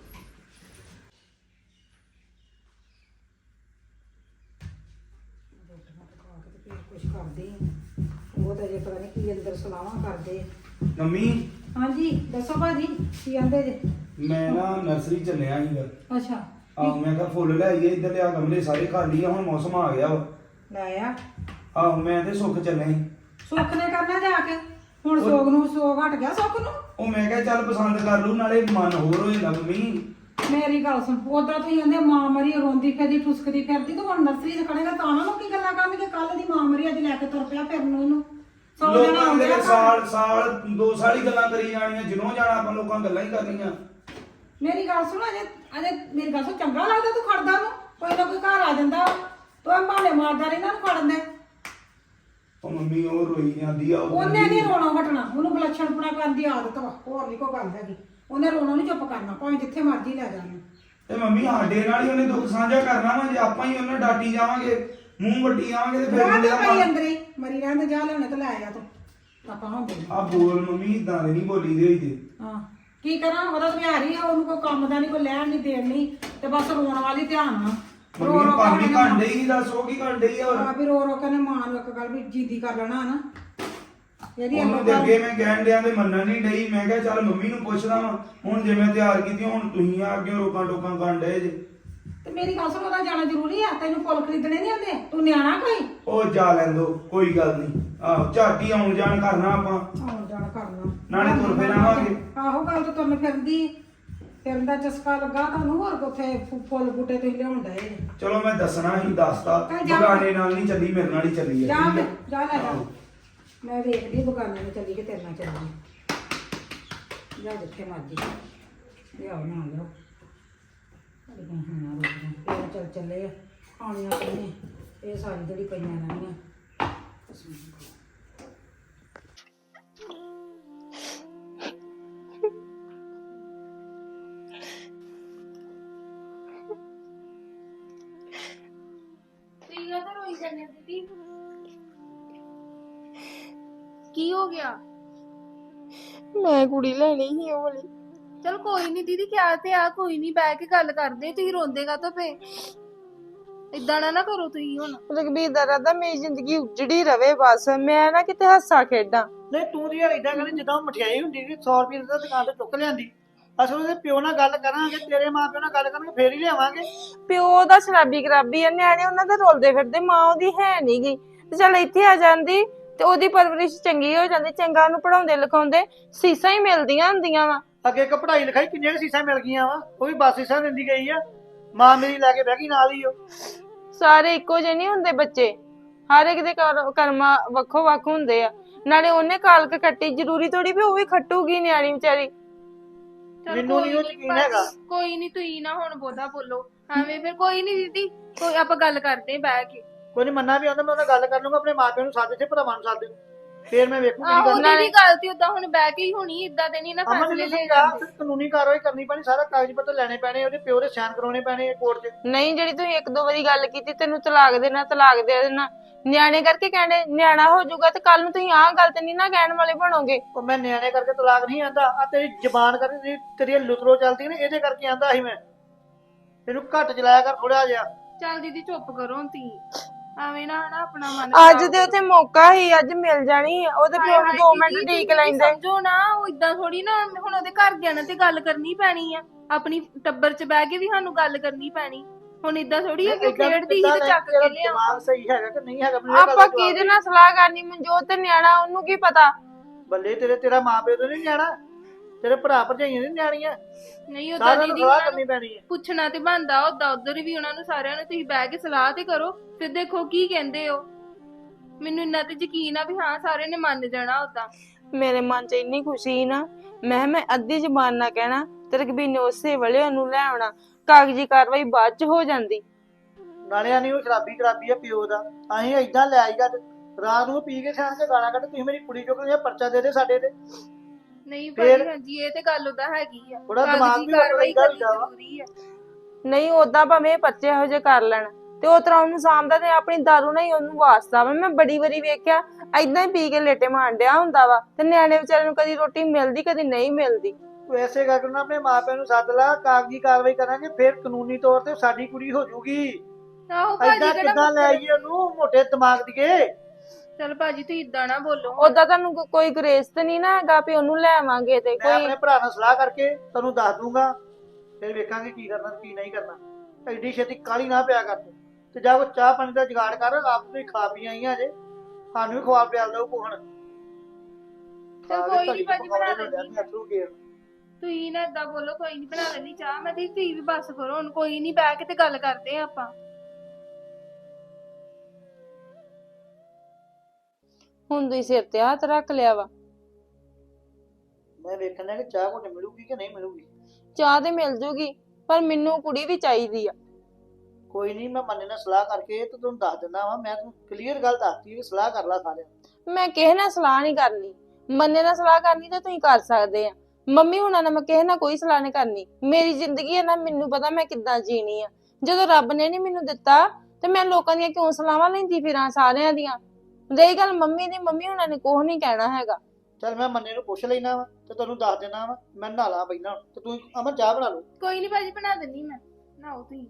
S6: ਕੁਛ ਕਰਦੇ ਆ ਉਹ ਤਾਂ ਜੇ ਪਤਾ ਨਹੀਂ ਕੀ ਅੰਦਰ ਸਲਾਹਾਂ ਕਰਦੇ ਆ।
S5: ਮੰਮੀ,
S6: ਹਾਂਜੀ ਦੱਸੋ ਭਾਜੀ ਕੀ ਆਂਦੇ ਜੇ?
S5: ਮੈਂ ਨਾ ਨਰਸਰੀ ਚੱਲਿਆ ਸੀਗਾ।
S6: ਅੱਛਾ
S5: ਆਹੋ ਮੈਂ ਕਿਹਾ ਫੁੱਲ ਲੈ ਆਈਏ, ਇੱਧਰ ਲਿਆ ਗਮਲੇ ਸਾਰੇ ਖਾਲੀ ਆ, ਹੁਣ ਮੌਸਮ ਆ ਗਿਆ ਵਾ।
S6: ਲੈ ਆ
S5: ਆਹੋ ਮੈਂ ਤੇ ਸੁੱਖ ਚੱਲੇ ਸੀ।
S6: ਸੁੱਖ ਨੇ ਕਰਨਾ ਜਾ ਕੇ, ਹੁਣ ਸੋਗ ਨੂੰ ਸੋਗ ਹਟ ਗਿਆ ਸੁੱਖ ਨੂੰ।
S5: ਉਹ ਮੈਂ ਕਿਹਾ ਚੱਲ ਪਸੰਦ ਕਰ ਲੂ, ਨਾਲੇ ਮਨ ਹੋਰ ਹੋ ਜਾਂਦਾ। ਮੰਮੀ
S6: ਮੇਰੀ ਗੱਲ ਸੁਣ, ਉਦਾਂ ਤੁਸੀਂ ਕਹਿੰਦੇ ਮਾਂ ਮਰੀ ਰੋਂਦੀ ਫਿਰਦੀ ਠੁਸਕਦੀ ਫਿਰਦੀ, ਤੂੰ ਹੁਣ ਨਰਸਰੀ 'ਚ ਖੜੇਗਾ ਤਾਂ ਉਹਨਾਂ ਨੂੰ ਕੀ ਗੱਲਾਂ ਕਰਨਗੇ? ਕੱਲ ਦੀ ਮਾਂ ਮਰੀ ਅੱਜ ਲੈ ਕੇ ਤੁਰ ਪਿਆ ਫਿਰਨ ਨੂੰ ਇਹਨੂੰ। ਸੌ ਜਣਾ
S5: ਲੋਕਾਂ
S6: ਆਉਂਦੇ
S5: ਦੇ
S6: ਆ
S5: ਸਾਲ 2 ਸਾਲ ਹੀ ਗੱਲਾਂ ਕਰੀ ਜਾਣੀਆਂ, ਜਿਨੋਂ ਜਾਣਾ ਆਪਾਂ ਲੋਕਾਂ ਗੱਲਾਂ ਹੀ ਕਰਨੀਆਂ।
S6: ਮੇਰੀ ਗੱਲ ਸੁਣ, ਅਜੇ ਮੇਰੀ ਗੱਲ ਸੁਣ, ਚੰਗਾ ਲੱਗਦਾ ਤੂੰ ਖੜਦਾ ਨੂੰ? ਕੋਈ ਨਾ ਕੋਈ ਘਰ ਆ ਜਾਂਦਾ ਤੂੰ ਇਹ ਭਾਲੇ ਮਾਰਦਾ ਰਹਿੰਦਾ ਨੂੰ ਖੜਨ ਦੇ।
S5: ਉਹ ਮੰਮੀ ਉਹ ਰੋਈ ਜਾਂਦੀ ਆ।
S6: ਉਹਨੇ ਨਹੀਂ ਰੋਣਾ ਹਟਣਾ, ਉਹਨੂੰ ਵਿਲੱਛਣਪੁਣਾ ਕਰਨ ਦੀ ਆਦਤ ਵਾ, ਹੋਰ ਨਹੀਂ ਕੋਈ ਗੱਲ ਹੈਗੀ। ਉਹਨੇ ਰੋਣਾ ਨਹੀਂ ਚੁੱਪ ਕਰਨਾ, ਭਾਵੇਂ ਜਿੱਥੇ ਮਰਜ਼ੀ ਲੈ ਜਾਣਾ।
S5: ਤੇ ਮੰਮੀ ਸਾਡੇ ਨਾਲ ਹੀ ਉਹਨੇ ਦੁੱਖ ਸਾਂਝਾ ਕਰਨਾ ਵਾ। ਜੇ ਆਪਾਂ ਹੀ ਉਹਨਾਂ ਡਾਟੀ ਜਾਵਾਂਗੇ, ਮੂੰਹ ਵੱਟੀ ਜਾਵਾਂਗੇ ਤੇ ਫਿਰ
S6: ਰਹਿਣ ਦੇ
S5: ਬੰਦੇ
S6: ਭਾਈ
S5: ਆਪਾਂ
S6: ਅੰਦਰੇ ਮਰੀ ਰਹਿਣ ਦੇ, ਜਾ ਲੈਣੇ ਤੇ ਲੈ ਆ ਤੂੰ। ਆਪਾਂ ਹੁੰਦੇ ਨੀ।
S5: ਆ ਬੋਲ ਮੰਮੀ, ਇਦਾਂ ਦੇ ਨਹੀਂ ਬੋਲੀ ਦੇ ਹੋਈ ਤੇ।
S6: ਹਾਂ ਕੀ ਕਰਾਂ, ਉਹਦਾ ਵਿਹਾਰ ਹੀ ਆ, ਉਹਨੂੰ ਕੋਈ ਕੰਮ ਦਾ ਨਹੀਂ, ਕੋਈ ਲੈਣ ਨਹੀਂ ਦੇਣ ਨਹੀਂ, ਤੇ ਬਸ ਰੋਣ ਵਾਲੀ ਧਿਆਨ ਆ।
S5: ਮੰਮੀ ਨੂੰ ਕੰਮ ਹੀ ਘੰਟੇ ਹੀ ਦੱਸ, ਉਹ ਕੀ ਘੰਟੇ ਹੀ ਆ।
S6: ਆ ਵੀ ਰੋ ਰੋ ਕੇ ਨੇ ਮਾਂ ਨੂੰ ਇੱਕ ਗੱਲ ਵੀ ਜਿੱਦੀ ਕਰ ਲੈਣਾ ਨਾ। ਇਹਦੀ
S5: ਉਹਨੂੰ ਤੇ ਅੱਗੇ ਮੈਂ ਕਹਿਣ ਡਿਆ ਤੇ ਮੰਨਣ ਨਹੀਂ ਡਈ। ਮੈਂ ਕਿਹਾ ਚੱਲ ਮੰਮੀ ਨੂੰ ਪੁੱਛਦਾ ਵਾਂ, ਹੁਣ ਜੇ ਮੈਂ ਤਿਆਰ ਕੀਤੀ ਹੁਣ ਤੁਸੀਂ ਆ ਅੱਗੇ ਰੋਕਾਂ ਟੋਕਾਂ ਕਰਨ ਡਏ ਜੇ।
S6: ਤੇ ਮੇਰੀ ਗੱਲ ਸੁਣ, ਉਹਦਾ ਜਾਣਾ ਜ਼ਰੂਰੀ ਆ? ਤੈਨੂੰ ਫੁੱਲ ਖਰੀਦਣੇ ਨਹੀਂ ਆਉਂਦੇ? ਤੂੰ ਨਿਆਣਾ ਕੋਈ?
S5: ਉਹ ਜਾ ਲੈਂਦੋ, ਕੋਈ ਗੱਲ ਨਹੀਂ। ਆਹੋ ਝਾਟੀ ਆਉਣ ਜਾਣ ਕਰਨਾ ਆਪਾਂ,
S6: ਆਉਣ ਜਾਣ ਕਰਨਾ,
S5: ਨਾਲੇ ਤੁਰ ਫਿਰ ਆਵਾਂਗੇ।
S6: ਆਹੋ ਗੱਲ ਤਾਂ ਤੁਰਨ ਫਿਰਨ ਦਾ ਚਸਕਾ ਲੱਗਾ ਤੁਹਾਨੂੰ। ਹੋਰ ਉੱਥੇ ਫੁੱਲ ਬੂਟੇ ਤੁਸੀਂ ਲਿਆਉਣ ਡਏ।
S5: ਚਲੋ ਮੈਂ ਦੱਸਣਾ ਹੀ ਦੱਸਤਾ,
S6: ਚੱਲ ਜਾ।
S5: ਬਗਾਨੇ ਨਾਲ ਨਹੀਂ ਚੱਲੀ, ਮੇਰੇ ਨਾਲ ਹੀ ਚੱਲੀ
S6: ਜਾ
S5: ਹੈ।
S6: ਫਿਰ, ਜਾ ਲੈ ਜਾ। ਮੈਂ ਵੇਖਦੀ ਬਗਾਨੇ ਨੂੰ ਚੱਲੀ ਕਿ ਤੇਰੇ ਨਾਲ ਚੱਲੀ। ਜਾ ਜਿੱਥੇ ਮਰਜੀ ਲਿਆਓ ਨਾ ਲਿਆਓ। ਇਹ ਚੱਲ ਚੱਲੇ ਆ ਖਾਣੀਆਂ ਪਈਆਂ, ਇਹ ਸਾਰੀ ਜਿਹੜੀ ਪਈਆਂ ਰਹਿਣੀਆਂ।
S2: ਤੀਆ ਤਾਂ ਰੋਈ ਜਾਂਦੇ ਦੀਦੀ, ਕੀ ਹੋ ਗਿਆ?
S1: ਮੈਂ ਕੁੜੀ ਲੈਣੀ ਸੀ ਉਹ ਵਾਲੀ।
S2: ਚਲ ਕੋਈ ਨਹੀਂ ਦੀਦੀ, ਕਿਆ ਤੇ ਆ, ਕੋਈ ਨਹੀਂ, ਬਹਿ ਕੇ ਗੱਲ ਕਰਦੇ। ਤੁਸੀਂ ਰੋਂਦੇਗਾ ਤਾਂ ਫੇ ਇਦਾਂ ਨਾ ਕਰੋ ਤੁਸੀਂ ਹੁਣ।
S1: ਰਘਬੀਰ ਦਾ ਰਾਦਾ ਮੇਰੀ ਜ਼ਿੰਦਗੀ ਉਜੜੀ ਰਵੇ, ਬਸ ਮੈਂ ਨਾ ਕਿਤੇ ਹੱਸਾ ਖੇਡਾਂ।
S3: ਨਹੀਂ ਤੂੰ ਦੀ ਯਾਰ ਇਦਾਂ ਕਰੀ ਜਿੱਦਾਂ ਉਹ ਮਠਿਆਈ ਹੁੰਦੀ ਸੀ 100 ਰੁਪਏ ਦਾ ਦੁਕਾਨ ਤੋਂ ਚੁੱਕ ਲਿਆਂਦੀ। ਅਸਲ ਉਹਦੇ ਪਿਓ ਨਾਲ ਗੱਲ ਕਰਾਂਗੇ, ਤੇਰੇ ਮਾਂ ਪਿਓ ਨਾਲ ਗੱਲ ਕਰਾਂਗੇ, ਫੇਰ ਹੀ ਲਿਆਵਾਂਗੇ।
S1: ਪਿਓ ਦਾ ਸ਼ਰਾਬੀ ਖਰਾਬੀ ਆ, ਨਿਆਣੇ ਉਹਨਾਂ ਦੇ ਰੋਲਦੇ ਫਿਰਦੇ, ਮਾਂ ਉਹਦੀ ਹੈ ਨੀ ਗੀ। ਤੇ ਚੱਲ ਇੱਥੇ ਆ ਜਾਂਦੀ ਤੇ ਉਹਦੀ ਪਰਵਰਿਸ਼ ਚੰਗੀ ਹੋ ਜਾਂਦੀ, ਚੰਗਾ ਉਹਨੂੰ ਪੜਾਉਂਦੇ ਲਿਖਾਉਂਦੇ, ਸੀਸਾਂ ਹੀ ਮਿਲਦੀਆਂ ਹੁੰਦੀਆਂ ਵਾ।
S3: ਅੱਗੇ ਇੱਕ ਪੜ੍ਹਾਈ ਲਿਖਾਈ ਕਿੰਨੀਆਂ ਸੀਸਾਂ ਮਿਲ ਗਈਆਂ ਵਾ, ਉਹ ਵੀ ਬੱਸ ਸੀਸਾਂ ਦਿੰਦੀ ਗਈ ਆ। ਮਾਂ ਮੇਰੀ ਲੈ ਕੇ ਬਹਿ ਗਈ ਨਾਲ ਹੀ। ਉਹ
S1: ਸਾਰੇ ਇੱਕੋ ਜਿਹੇ ਨਹੀਂ ਹੁੰਦੇ ਬੱਚੇ, ਹਰ ਇੱਕ ਦੇ ਕਰਮਾਂ ਵੱਖੋ ਵੱਖ ਹੁੰਦੇ ਆ। ਨਾਲੇ ਉਹਨੇ ਕਾਲਕ ਕੱਟੀ, ਜ਼ਰੂਰੀ ਥੋੜੀ ਵੀ ਉਹ ਵੀ ਖੱਟੂਗੀ ਨਿਆਣੀ ਵਿਚਾਰੀ।
S2: ਚੱਲ
S3: ਮੈਨੂੰ
S2: ਕੋਈ
S3: ਨੀ ਉਹ
S2: ਨੀ
S3: ਯਕੀਨ ਹੈਗਾ।
S2: ਕੋਈ ਨਹੀਂ, ਤੁਸੀਂ ਨਾ ਹੁਣ ਬਹੁਤਾ ਬੋਲੋ ਐਵੇਂ। ਫਿਰ ਕੋਈ ਨਹੀਂ ਦੀਦੀ, ਕੋਈ ਆਪਾਂ ਗੱਲ ਕਰਦੇ ਆਂ ਬਹਿ ਕੇ।
S3: ਕੋਈ ਨਹੀਂ ਮੰਨਾ ਵੀ ਆਉਂਦਾ, ਮੈਂ ਉਹਨਾਂ ਗੱਲ ਕਰ ਲੂੰਗਾ, ਆਪਣੇ ਮਾਪਿਆਂ ਨੂੰ ਸੱਦ ਤੇ ਭਰਾਵਾਂ ਨੂੰ ਸੱਦ, ਫੇਰ ਮੈਂ ਵੇਖੂ ਕੀ
S2: ਆਹੋ
S3: ਕਰਨਾ।
S2: ਦੀਦੀ ਗੱਲ ਤੇ ਉਦਾਂ ਹੁਣ ਬਹਿ ਕੇ ਹੀ ਹੋਣੀ, ਇਦਾਂ ਤੇ ਨਹੀਂ ਨਾ
S3: ਅਮਨ
S2: ਫੈਸਲੇ
S3: ਨੇ
S2: ਲੈ
S3: ਕਿਹਾ
S2: ਜਾਂਦੇ।
S3: ਫਿਰ ਕਾਨੂੰਨੀ ਕਾਰਵਾਈ ਕਰਨੀ ਪੈਣੀ, ਸਾਰਾ ਕਾਗਜ਼ ਪੱਤਰ ਲੈਣੇ ਪੈਣੇ, ਉਹਦੇ ਪਿਓ ਦੇ ਸਾਈਨ ਕਰਾਉਣੇ ਪੈਣੇ ਕੋਰਟ 'ਚ।
S1: ਨਹੀਂ ਜਿਹੜੀ ਤੁਸੀਂ ਇੱਕ ਦੋ ਵਾਰੀ ਗੱਲ ਕੀਤੀ ਤੈਨੂੰ ਤਲਾਕ ਦੇਣਾ ਤਲਾਕ ਦੇ ਦੇਣਾ, ਨਿਆਣੇ ਕਰਕੇ ਕਹਿੰਦੇ ਨਿਆਣਾ ਹੋ ਜਾਊਗਾ ਤੇ ਕੱਲ ਨੂੰ ਤੁਸੀਂ ਆਹ ਗੱਲ ਤੇ ਨਹੀਂ ਨਾ ਕਹਿਣ ਵਾਲੇ ਬਣੋਗੇ।
S3: ਉਹ ਮੈਂ ਨਿਆਣੇ ਕਰਕੇ ਤਲਾਕ ਨਹੀਂ ਆਂਦਾ, ਆ ਤੇਰੀ ਜ਼ਬਾਨ ਕਰਕੇ ਤੇਰੀ ਲੁਤਰੋ ਚੱਲਦੀ ਨੇ, ਇਹਦੇ ਕਰਕੇ ਆਂਦਾ ਸੀ ਮੈਂ। ਤੈਨੂੰ ਘੱਟ ਚਲਾਇਆ ਕਰ ਥੋੜਾ ਜਿਹਾ।
S2: ਚੱਲ ਦੀਦੀ ਚੁੱਪ ਕਰੋ ਤੀ, ਐਵੇਂ ਨਾ ਹਨਾ ਆਪਣਾ ਮਨ
S1: ਅੱਜ ਦੇ ਉੱਥੇ ਮੌਕਾ ਹੀ ਅੱਜ ਮਿਲ ਜਾਣੀ ਆ, ਉਹਦੇ ਪਿਓ ਨੂੰ 2 ਮਿੰਟ ਢੀਕ ਲੈਂਦੇ।
S2: ਸਮਝੋ ਨਾ, ਉਹ ਇਦਾਂ ਥੋੜੀ ਨਾ, ਹੁਣ ਉਹਦੇ ਘਰ ਗਿਆ ਨਾ ਤੇ ਗੱਲ ਕਰਨੀ ਪੈਣੀ ਆ, ਆਪਣੀ ਟੱਬਰ 'ਚ ਬਹਿ ਕੇ ਵੀ ਸਾਨੂੰ ਗੱਲ ਕਰਨੀ ਪੈਣੀ। ਹੁਣ ਇਦਾਂ ਥੋੜੀ ਆ ਕਿ ਉਹ ਖੇਡਦੀ ਸੀ ਤੇ ਚੱਕ ਕੇ ਲਿਆ।
S3: ਦਿਮਾਗ ਸਹੀ ਹੈਗਾ ਕਿ ਨਹੀਂ ਹੈਗਾ, ਮੈਨੂੰ ਇਹ ਗੱਲ ਦਾ
S1: ਆਪਾਂ
S3: ਜਵਾਬ
S1: ਕਿਹਦੇ
S3: ਦੇ।
S1: ਨਾਲ ਸਲਾਹ ਕਰਨੀ, ਮਨਜੋਤ ਤੇ ਨਿਆਣਾ ਉਹਨੂੰ ਕੀ ਪਤਾ।
S3: ਬੱਲੇ ਤੇਰਾ ਮਾਂ ਪਿਓ ਤੋਂ ਨਹੀਂ ਨਿਆਣਾ, ਤੇਰੇ ਭਰਾ ਭਰਜਾਈਆਂ ਨਹੀਂ ਨਿਆਣੀਆਂ,
S2: ਨਹੀਂ ਉਦਾਂ
S3: ਸਾਰਿਆਂ ਨੂੰ
S2: ਦੀਦੀ
S3: ਸਲਾਹ
S2: ਉਹਨਾਂ
S3: ਕਰਨੀ
S2: ਨੂੰ
S3: ਪੈਣੀ ਹੈ।
S2: ਪੁੱਛਣਾ ਤੇ ਬਣਦਾ, ਉਦਾਂ ਉਧਰ ਵੀ ਉਹਨਾਂ ਨੂੰ ਸਾਰਿਆਂ ਨੂੰ ਤੁਸੀਂ ਬਹਿ ਕੇ ਸਲਾਹ ਤੇ ਕਰੋ, ਫਿਰ ਦੇਖੋ ਕੀ ਕਹਿੰਦੇ ਹੋ। ਮੈਨੂੰ ਇੰਨਾ ਤੇ ਯਕੀਨ ਆ ਵੀ ਹਾਂ ਸਾਰਿਆਂ ਨੇ ਮੰਨ ਜਾਣਾ। ਉਦਾਂ
S1: ਮੇਰੇ ਮਨ 'ਚ ਇੰਨੀ ਖੁਸ਼ੀ ਸੀ ਨਾ, ਮੈਂ ਅੱਧੀ ਜ਼ਬਾਨ ਨਾ ਕਹਿਣਾ ਤੇ ਰਘਬੀਰ ਨੇ ਉਸੇ ਵੇਲੇ ਉਹਨੂੰ ਲੈ ਆਉਣਾ, ਕਾਗਜ਼ੀ ਕਾਰਵਾਈ ਬਾਅਦ 'ਚ ਹੋ ਜਾਂਦੀ।
S3: ਨਾਲਿਆਂ ਨਹੀਂ ਉਹ ਸ਼ਰਾਬੀ ਆ ਪਿਓ ਦਾ, ਅਸੀਂ ਏਦਾਂ ਲੈ ਆਈਗਾ ਤੇ ਰਾਤ ਨੂੰ ਪੀ ਕੇ ਖਾਣ ਤੇ ਗਾਲਾਂ ਕੱਢ, ਤੁਸੀਂ ਮੇਰੀ ਕੁੜੀ ਚੁੱਕ ਲਿਆ, ਪਰਚਾ ਦੇ ਦੇ ਸਾਡੇ ਤੇ।
S2: ਨਹੀਂ
S3: ਫਿਰ-
S2: ਭਾਜੀ ਹਾਂਜੀ ਇਹ ਤੇ ਗੱਲ ਉਦਾਂ ਹੈਗੀ ਆ,
S3: ਥੋੜਾ ਦਿਮਾਗ
S2: ਕਾਗਜ਼ੀ
S3: ਵੀ
S2: ਕਾਰਵਾਈ
S3: ਵਰਤਦਾ
S2: ਕਰਨੀ
S3: ਹੁੰਦਾ ਵਾ।
S2: ਜ਼ਰੂਰੀ ਆ।
S1: ਨਹੀਂ ਓਦਾਂ ਭਾਵੇਂ ਇਹ ਬੱਚੇ ਇਹੋ ਜਿਹੇ ਕਰ ਲੈਣ ਤੇ ਉਹ ਤਰ੍ਹਾਂ ਉਹਨੂੰ ਸਾਂਭਦਾ ਤੇ ਆਪਣੀ ਦਾਰੂ ਨਾਲ ਹੀ ਉਹਨੂੰ ਵਾਸਤਾ ਵਾ। ਮੈਂ ਬੜੀ ਵਾਰੀ ਵੇਖਿਆ ਏਦਾਂ ਹੀ ਪੀ ਕੇ ਲੇਟੇ ਮਾਰਨ ਡਿਆ ਹੁੰਦਾ ਵਾ ਤੇ ਨਿਆਣੇ ਵਿਚਾਰੇ ਨੂੰ ਕਦੀ ਰੋਟੀ ਮਿਲਦੀ ਕਦੀ ਨਹੀਂ ਮਿਲਦੀ।
S3: ਤੂੰ ਐਸੇ ਕਰਕੇ ਨਾ ਆਪਣੇ ਮਾਪਿਆਂ ਨੂੰ ਸੱਦ ਲਾ, ਕਾਗਜ਼ੀ ਕਾਰਵਾਈ ਕਰਾਂਗੇ, ਫਿਰ ਕਾਨੂੰਨੀ ਤੌਰ ਤੇ ਸਾਡੀ ਕੁੜੀ ਹੋ ਜਾਊਗੀ।
S2: ਆਹੋ ਭਾਜੀ
S3: ਏਦਾਂ
S2: ਕਿਹੜਾ
S3: ਕਿੱਦਾਂ ਲੈ ਆਈਏ ਉਹਨੂੰ ਮੋਟੇ ਦਿਮਾਗ ਦੀਏ।
S2: ਚਲ ਭਾਜੀ ਤੁਸੀਂ ਇਦਾਂ ਨਾ ਬੋਲੋ।
S1: ਓਦਾਂ ਤੁਹਾਨੂੰ ਕੋਈ ਗ੍ਰੇਸ ਤੇ ਨਹੀਂ ਨਾ ਹੈਗਾ ਵੀ ਉਹਨੂੰ ਲੈ ਆਵਾਂਗੇ ਤੇ
S3: ਮੈਂ
S1: ਕੋਈ।
S3: ਆਪਣੇ ਭਰਾ ਨਾਲ ਸਲਾਹ ਕਰਕੇ ਤੁਹਾਨੂੰ ਦੱਸ ਦੂੰਗਾ, ਫਿਰ ਵੇਖਾਂਗੇ ਕੀ ਕਰਨਾ ਕੀ ਨਹੀਂ ਕਰਨਾ। ਐਡੀ ਛੇਤੀ ਕਾਹਲੀ ਨਾ ਪਿਆ ਕਰ ਤੂੰ, ਤੇ ਜਾ ਉਹ ਚਾਹ ਪਾਣੀ ਦਾ ਜੁਗਾੜ ਕਰ, ਆਪ ਤੁਸੀਂ ਖਾ ਪੀ ਆਈਆਂ ਜੇ, ਸਾਨੂੰ ਵੀ ਖਵਾ ਪਿਆਲ ਦਓ ਕੋਹਣ।
S2: ਚੱਲ ਕੋਈ ਨੀ ਭਾਜੀ ਬਣਾ ਲੈਂਦੀ। ਤੁਸੀਂ ਨਾ ਏਦਾਂ ਬੋਲੋ, ਕੋਈ ਨਹੀਂ ਬਣਾ ਲੈਣੀ ਚਾਹ ਮੈਂ। ਤੁਸੀਂ ਵੀ ਬਸ ਕਰੋ ਹੁਣ, ਕੋਈ ਨਹੀਂ ਬਹਿ ਕੇ ਤੇ ਗੱਲ ਕਰਦੇ ਆ ਆਪਾਂ।
S1: ਹੁਣ ਤੁਸੀਂ ਸਿਰ ਤੇ ਹੱਥ ਰੱਖ ਲਿਆ ਵਾ।
S3: ਮੈਂ ਵੇਖਣਾ ਕਿ ਚਾਹ ਘੁੱਟ ਮਿਲੂਗੀ ਕਿ ਨਹੀਂ ਮਿਲੂਗੀ।
S1: ਚਾਹ ਤੇ ਮਿਲ ਜੂਗੀ ਪਰ ਮੈਨੂੰ ਕੁੜੀ ਵੀ ਚਾਹੀਦੀ ਆ।
S3: ਕੋਈ ਨਹੀਂ, ਮੈਂ ਮੰਨੇ ਨਾਲ ਸਲਾਹ ਕਰਕੇ ਤੇ ਤੁਹਾਨੂੰ ਦੱਸ ਦਿੰਦਾ ਵਾ। ਮੈਂ ਤੁਹਾਨੂੰ ਕਲੀਅਰ ਗੱਲ ਦੱਸਤੀ ਵੀ ਸਲਾਹ ਕਰ ਲਾ ਸਾਰਿਆਂ ਨਾਲ।
S1: ਮੈਂ ਕਿਸੇ ਨਾਲ ਸਲਾਹ ਨਹੀਂ ਕਰਨੀ, ਮੰਨੇ ਨਾਲ ਸਲਾਹ ਕਰਨੀ ਤੇ ਤੁਸੀਂ ਕਰ ਸਕਦੇ ਆ। ਮੰਮੀ ਹੁਣਾਂ ਨਾਲ ਮੈਂ ਕਿਸੇ ਨਾਲ ਕੋਈ ਸਲਾਹ ਨਹੀਂ ਕਰਨੀ। ਮੇਰੀ ਜ਼ਿੰਦਗੀ ਹੈ ਨਾ, ਮੈਨੂੰ ਪਤਾ ਮੈਂ ਕਿੱਦਾਂ ਜੀਣੀ ਆ। ਜਦੋਂ ਰੱਬ ਨੇ ਨਹੀਂ ਮੈਨੂੰ ਦਿੱਤਾ ਤੇ ਮੈਂ ਲੋਕਾਂ ਦੀਆਂ ਕਿਉਂ ਸਲਾਹਾਂ ਲੈਂਦੀ ਫਿਰਾਂ ਸਾਰਿਆਂ ਦੀਆਂ। ਰਹੀ ਗੱਲ ਮੰਮੀ ਦੀ, ਮੰਮੀ ਹੁਣਾਂ ਨੇ ਕੁਛ ਨਹੀਂ ਕਹਿਣਾ ਹੈਗਾ।
S3: ਚੱਲ ਮੈਂ ਮੰਨੇ ਨੂੰ ਪੁੱਛ ਲੈਣਾ ਵਾ ਤੇ ਤੁਹਾਨੂੰ ਦੱਸ ਦੇਣਾ ਵਾ। ਮੈਂ ਨਹਾ ਲਾ ਪਹਿਲਾਂ ਤੇ ਤੂੰ ਅਮਨ ਚਾਹ ਬਣਾ ਲਓ।
S2: ਕੋਈ ਨਹੀਂ ਭਾਜੀ ਬਣਾ ਦਿੰਨੀ ਮੈਂ, ਨਹਾਓ ਤੁਸੀਂ।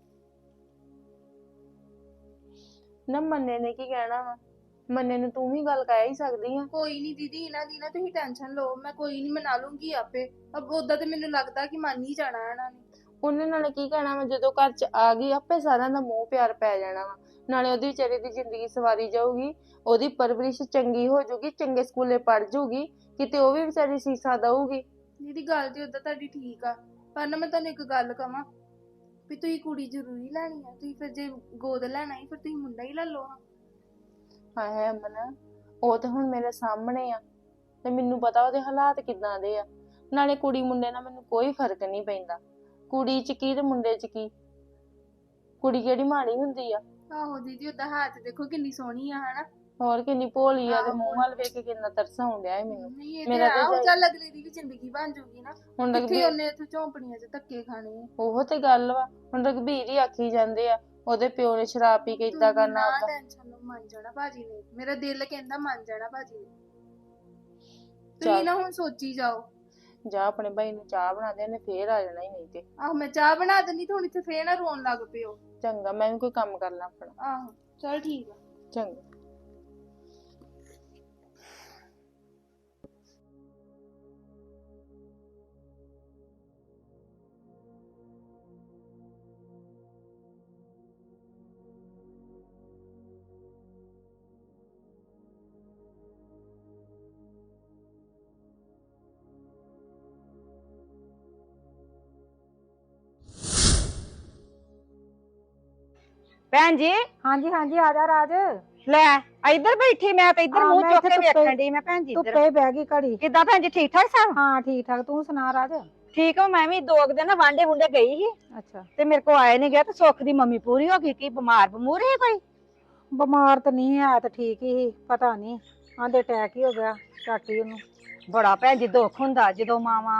S1: ਨਾ ਮੰਨੇ ਨੇ ਕੀ ਕਹਿਣਾ ਵਾ, ਮੰਨੇ ਨੂੰ ਤੂੰ ਵੀ ਗੱਲ ਕਹਿ ਹੀ ਸਕਦੀ ਆ।
S2: ਕੋਈ ਨਹੀਂ ਦੀਦੀ ਇਹਨਾਂ ਦੀ ਨਾ ਤੁਸੀਂ ਟੈਨਸ਼ਨ ਲਓ, ਮੈਂ ਕੋਈ ਨਹੀਂ ਮਨਾ ਲੂੰਗੀ ਆਪੇ। ਅਬ ਉਦਾਂ ਤੇ ਮੈਨੂੰ ਲੱਗਦਾ ਕਿ ਮੰਨ ਹੀ ਜਾਣਾ ਇਹਨਾਂ ਨੇ।
S1: ਉਹਨੇ ਨਾਲੇ ਕੀ ਕਹਿਣਾ ਵਾ, ਜਦੋਂ ਘਰ ਚ ਆ ਗਈ ਆਪੇ ਸਾਰਿਆਂ ਦਾ ਮੋਹ ਪਿਆਰ ਪੈ ਜਾਣਾ ਵਾ। ਨਾਲੇ ਉਹਦੀ ਵਿਚਾਰੀ ਦੀ ਜ਼ਿੰਦਗੀ ਸਵਾਰੀ ਜਾਊਗੀ, ਉਹਦੀ ਪਰਵਰਿਸ਼ ਚੰਗੀ ਹੋ ਜਾਊਗੀ, ਚੰਗੇ ਸਕੂਲੇ ਪੜ੍ਹ ਜਾਊਗੀ, ਕਿਤੇ ਉਹ ਵੀ ਵਿਚਾਰੀ ਸੀਸਾ ਦਊਗੀ।
S2: ਦੀਦੀ ਗੱਲ ਤੇ ਉਦਾਂ ਤੁਹਾਡੀ ਠੀਕ ਆ, ਪਰ ਨਾ ਮੈਂ ਤੁਹਾਨੂੰ ਇੱਕ ਗੱਲ ਕਵਾਂ ਵੀ ਤੁਸੀਂ ਕੁੜੀ ਜ਼ਰੂਰੀ ਲੈਣੀ ਆ। ਤੁਸੀਂ ਫਿਰ ਜੇ ਗੋਦ ਲੈਣਾ ਹੀ ਫਿਰ ਤੁਸੀਂ ਮੁੰਡਾ ਹੀ ਲੈ ਲਓ।
S1: ਹਾਏ ਅਮਨ, ਉਹ ਤੇ ਹੁਣ ਮੇਰੇ ਸਾਹਮਣੇ ਆ ਤੇ ਮੈਨੂੰ ਪਤਾ ਉਹਦੇ ਹਾਲਾਤ ਕਿੱਦਾਂ ਦੇ ਆ। ਨਾਲੇ ਕੁੜੀ ਮੁੰਡੇ ਨਾਲ ਮੈਨੂੰ ਕੋਈ ਫਰਕ ਨਹੀਂ ਪੈਂਦਾ। ਕੁੜੀ ਚ ਕੀ ਤੇ ਮੁੰਡੇ ਚ ਕੀ, ਕੁੜੀ ਕਿਹੜੀ ਮਾੜੀ ਹੁੰਦੀ ਆ।
S2: ਆਹੋ ਦੀਦੀ ਉਦਾਂ ਹੈ ਤੇ ਦੇਖੋ ਕਿੰਨੀ ਸੋਹਣੀ ਆ ਹਨਾ।
S1: ਹੋਰ ਕਿੰਨੀ ਭੋਲੀ ਆ, ਤੇ ਮੂੰਹ ਵੱਲ ਵੇਖ ਕੇ ਕਿੰਨਾ ਤਰਸ ਆਉਣ ਡਿਆ ਏ ਮੈਨੂੰ।
S2: ਨਹੀਂ ਇਹ ਤੇ
S1: ਮੇਰਾ
S2: ਆ,
S1: ਤੇ
S2: ਉਹ ਚੱਲ ਅਗਲੇ ਦੀ ਵੀ ਜ਼ਿੰਦਗੀ ਬਣ ਜੂਗੀ ਨਾ।
S1: ਹੁਣ
S2: ਕਿੱਥੇ
S1: ਰਘਬੀਰ,
S2: ਉਹਨੇ ਇੱਥੇ ਝੌਂਪੜੀਆਂ 'ਚ ਧੱਕੇ ਖਾਣੇ ਆ।
S1: ਉਹ ਤੇ ਗੱਲ ਵਾ, ਹੁਣ ਰਘਬੀਰ ਹੀ ਆਖੀ ਜਾਂਦੇ ਆ ਉਹਦੇ ਪਿਓ ਨੇ ਸ਼ਰਾਬ ਪੀ ਕੇ ਇਦਾਂ
S2: ਤੁਸੀਂ
S1: ਕਰਨਾ
S2: ਨਾ
S1: ਓਦਾਂ।
S2: ਟੈਨਸ਼ਨ ਲਓ, ਮੰਨ ਜਾਣਾ ਭਾਜੀ ਨੇ। ਮੇਰਾ ਦਿਲ ਕਹਿੰਦਾ ਮੰਨ ਜਾਣਾ ਭਾਜੀ ਨੇ।
S1: ਚੱਲ।
S2: ਤੁਸੀਂ ਨਾ ਹੁਣ ਸੋਚੀ ਜਾਓ।
S1: ਜਾ ਆਪਣੇ ਭਾਈ ਨੂੰ ਚਾਹ ਬਣਾ ਦੇ, ਉਹਨੇ ਫੇਰ ਆ ਜਾਣਾ ਹੀ ਨਹੀਂ ਤੇ।
S2: ਆਹੋ ਮੈਂ ਚਾਹ ਬਣਾ ਦਿੰਦੀ ਤੇ ਹੁਣ ਇੱਥੇ ਫੇਰ ਨਾ ਰੋਣ ਲੱਗ ਪਿਓ।
S1: ਚੰਗਾ, ਮੈਂ ਵੀ ਕੋਈ ਕੰਮ ਕਰ ਲਾਂ ਆਪਣਾ।
S2: ਆਹੋ ਚਲ ਠੀਕ ਆ।
S1: ਚੰਗਾ।
S7: ਭੈਣ ਜੀ,
S6: ਹਾਂਜੀ ਹਾਂਜੀ ਆ ਜਾ ਰਾਜ।
S7: ਲੈ ਇੱਧਰ ਬੈਠੀ, ਮੈਂ ਤੇ ਇੱਧਰ
S6: ਹਾਂ,
S7: ਮੂੰਹ
S6: ਮੈਂ
S7: ਚੁੱਕ
S6: ਇੱਥੇ
S7: ਕੇ
S6: ਧੁੱਪੇ-
S7: ਵੇਖਣ ਡਈ। ਮੈਂ ਭੈਣ ਜੀ ਇੱਧਰ
S6: ਧੁੱਪੇ ਬਹਿ ਗਈ ਘੜੀ।
S7: ਕਿੱਦਾਂ ਭੈਣ ਜੀ, ਠੀਕ ਠਾਕ ਸਭ?
S6: ਹਾਂ ਠੀਕ ਠਾਕ, ਤੂੰ ਸੁਣਾ ਰਾਜ।
S7: ਠੀਕ ਆ, ਮੈਂ ਵੀ 2 ਦਿਨ ਨਾ ਵਾਂਡੇ ਵੁੰਡੇ ਗਈ ਸੀ
S6: ਅੱਛਾ
S7: ਤੇ ਮੇਰੇ ਕੋ ਆਏ ਨਹੀਂ ਗਿਆ ਤੇ ਸੁੱਖ ਦੀ ਮੰਮੀ ਪੂਰੀ ਹੋ ਗਈ। ਕੀ ਬਿਮਾਰ ਬਮੂਰ ਹੈ ਕੋਈ?
S6: ਬਿਮਾਰ ਤਾਂ ਨਹੀਂ ਹੈ, ਤਾਂ ਠੀਕ ਹੀ ਪਤਾ ਨਹੀਂ ਆਂਦੇ ਅਟੈਕ ਹੀ ਹੋ ਗਿਆ ਚਾਟੀ ਉਹਨੂੰ।
S7: ਬੜਾ ਭੈਣ ਜੀ ਦੁੱਖ ਹੁੰਦਾ ਜਦੋਂ ਮਾਵਾਂ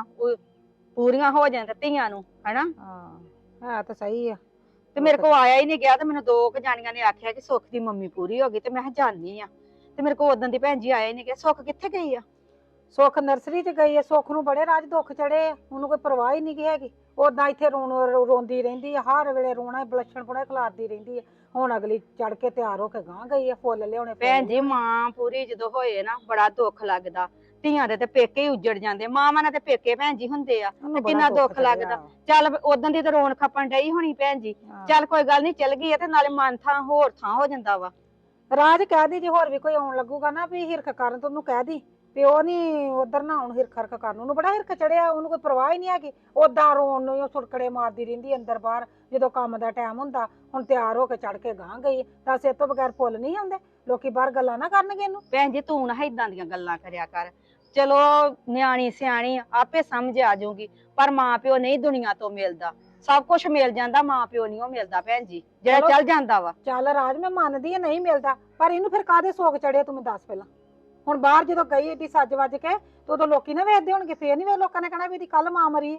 S7: ਪੂਰੀਆਂ ਹੋ ਜਾਣ ਤੇ ਧੀਆਂ ਨੂੰ, ਹਨਾ।
S6: ਹਾਂ ਹੈ ਤਾਂ ਸਹੀ ਆ।
S7: ਤੇ ਮੇਰੇ ਕੋ ਆਇਆ ਹੀ ਨਹੀਂ ਗਿਆ ਤੇ ਮੈਨੂੰ 2 ਜਾਣੀਆਂ ਨੇ ਆਖਿਆ ਕਿ ਸੁੱਖ ਦੀ ਮੰਮੀ ਪੂਰੀ ਹੋ ਗਈ ਤੇ ਮੈਂ ਕਿਹਾ ਜਾਣੀ ਆ। ਤੇ ਮੇਰੇ ਕੋ ਉਦੋਂ ਦੀ ਭੈਣ ਜੀ ਆਇਆ ਹੀ ਨਹੀਂ ਗਿਆ। ਸੁੱਖ ਕਿੱਥੇ ਗਈ ਆ?
S6: ਸੁੱਖ ਨਰਸਰੀ 'ਚ ਗਈ ਹੈ। ਸੁੱਖ ਨੂੰ ਬੜੇ ਰਾਜ ਦੁੱਖ ਚੜੇ ਆ, ਉਹਨੂੰ ਕੋਈ ਪਰਵਾਹ ਹੀ ਨਹੀਂ ਹੈਗੀ। ਉਦਾਂ ਇੱਥੇ ਰੋਂਦੀ ਰਹਿੰਦੀ ਆ, ਹਰ ਵੇਲੇ ਰੋਣਾ ਬਲੱਛਣ ਪੁਣਾ ਖਿਲਾਰਦੀ ਰਹਿੰਦੀ ਆ। ਹੁਣ ਅਗਲੀ ਚੜ ਕੇ ਤਿਆਰ ਹੋ ਕੇ ਗਾਂ ਗਈ ਆ, ਫੁੱਲ ਲਿਆਉਣੇ
S7: ਭੈਣ ਜੀ ਮਾਂ ਪੂਰੀ ਜਦੋਂ ਹੋਏ ਨਾ ਬੜਾ ਦੁੱਖ ਲੱਗਦਾ। ਧੀਆਂ ਦੇ ਤੇ ਪੇਕੇ ਹੀ ਉੱਜੜ ਜਾਂਦੇ, ਮਾਵਾਂ ਨਾਲ ਤੇ ਪੇਕੇ ਭੈਣ ਜੀ ਹੁੰਦੇ ਆ ਤੇ ਕਿੰਨਾ ਦੁੱਖ ਲੱਗਦਾ। ਚੱਲ ਉਦੋਂ ਦੀ ਤਾਂ ਰੋਣ ਖੱਪਣ ਡਈ ਹੋਣੀ ਭੈਣ ਜੀ। ਚੱਲ ਕੋਈ ਗੱਲ ਨਹੀਂ, ਚਲ ਗਈ ਆ ਤੇ ਨਾਲੇ ਮਨ ਥਾਂ ਹੋਰ ਥਾਂ ਹੋ ਜਾਂਦਾ ਵਾ।
S6: ਰਾਜ ਕਹਿ ਦੀ ਜੇ ਹੋਰ ਵੀ ਕੋਈ ਆਉਣ ਲੱਗੂਗਾ ਨਾ ਵੀ ਹਿਰਖ ਕਰਨ ਤੇ ਉਹਨੂੰ ਕਹਿ ਦੀ ਵੀ ਉਹ ਨੀ ਉਧਰ ਨਾ ਆਉਣ ਹਿਰਖ ਹਰਖ ਕਰਨ। ਉਹਨੂੰ ਬੜਾ ਹਿਰਖ ਚੜਿਆ, ਉਹਨੂੰ ਕੋਈ ਪਰਵਾਹ ਹੀ ਨਹੀਂ ਹੈਗੀ। ਉਦਾਂ ਰੋਣ ਨੂੰ ਉਹ ਸੁੜਕੜੇ ਮਾਰਦੀ ਰਹਿੰਦੀ ਅੰਦਰ ਬਾਹਰ ਜਦੋਂ ਕੰਮ ਦਾ ਟਾਈਮ ਹੁੰਦਾ। ਹੁਣ ਤਿਆਰ ਹੋ ਕੇ ਚੜ ਕੇ ਗਾਂ ਗਈ ਤਾਂ ਇਹ ਤੋਂ ਬਗੈਰ ਫੁੱਲ ਨਹੀਂ ਆਉਂਦੇ। ਲੋਕੀ ਬਾਹਰ ਗੱਲਾਂ ਨਾ ਕਰਨਗੇ ਇਹਨੂੰ।
S7: ਭੈਣ ਜੀ ਤੂੰ ਨਾ ਏਦਾਂ ਦੀਆਂ ਗੱਲਾਂ ਕਰਿਆ ਕਰ। ਚਲੋ ਨਿਆਣੀ ਸਿਆਣੀ ਆਪੇ ਸਮਝ ਆ ਜਾਊਗੀ, ਪਰ ਮਾਂ ਪਿਓ ਨਹੀਂ ਦੁਨੀਆ ਤੋਂ ਮਿਲਦਾ। ਸਭ ਕੁਝ ਮਿਲ ਜਾਂਦਾ, ਮਾਂ ਪਿਓ ਨਹੀਂ ਉਹ ਮਿਲਦਾ ਭੈਣ ਜੀ, ਜਿਹੜਾ ਚੱਲ ਜਾਂਦਾ ਵਾ।
S6: ਚੱਲ ਰਾਜ ਮੈਂ ਮੰਨਦੀ ਆ ਨਹੀਂ ਮਿਲਦਾ, ਪਰ ਇਹਨੂੰ ਫਿਰ ਕਾਹਦੇ ਸੋਗ ਚੜੇ ਤੂੰ ਮੈਨੂੰ ਦੱਸ ਪਹਿਲਾਂ। ਹੁਣ ਬਾਹਰ ਜਦੋਂ ਗਈ ਏਡੀ ਸੱਜ ਵੱਜ ਕੇ ਤੇ ਉਦੋਂ ਲੋਕੀ ਨਾ ਵੇਖਦੇ ਹੋਣਗੇ, ਫੇਰ ਨਹੀਂ ਵੇ ਲੋਕਾਂ ਨੇ ਕਹਿਣਾ ਵੀ ਇਹਦੀ ਕੱਲ ਮਾਂ ਮਰੀ।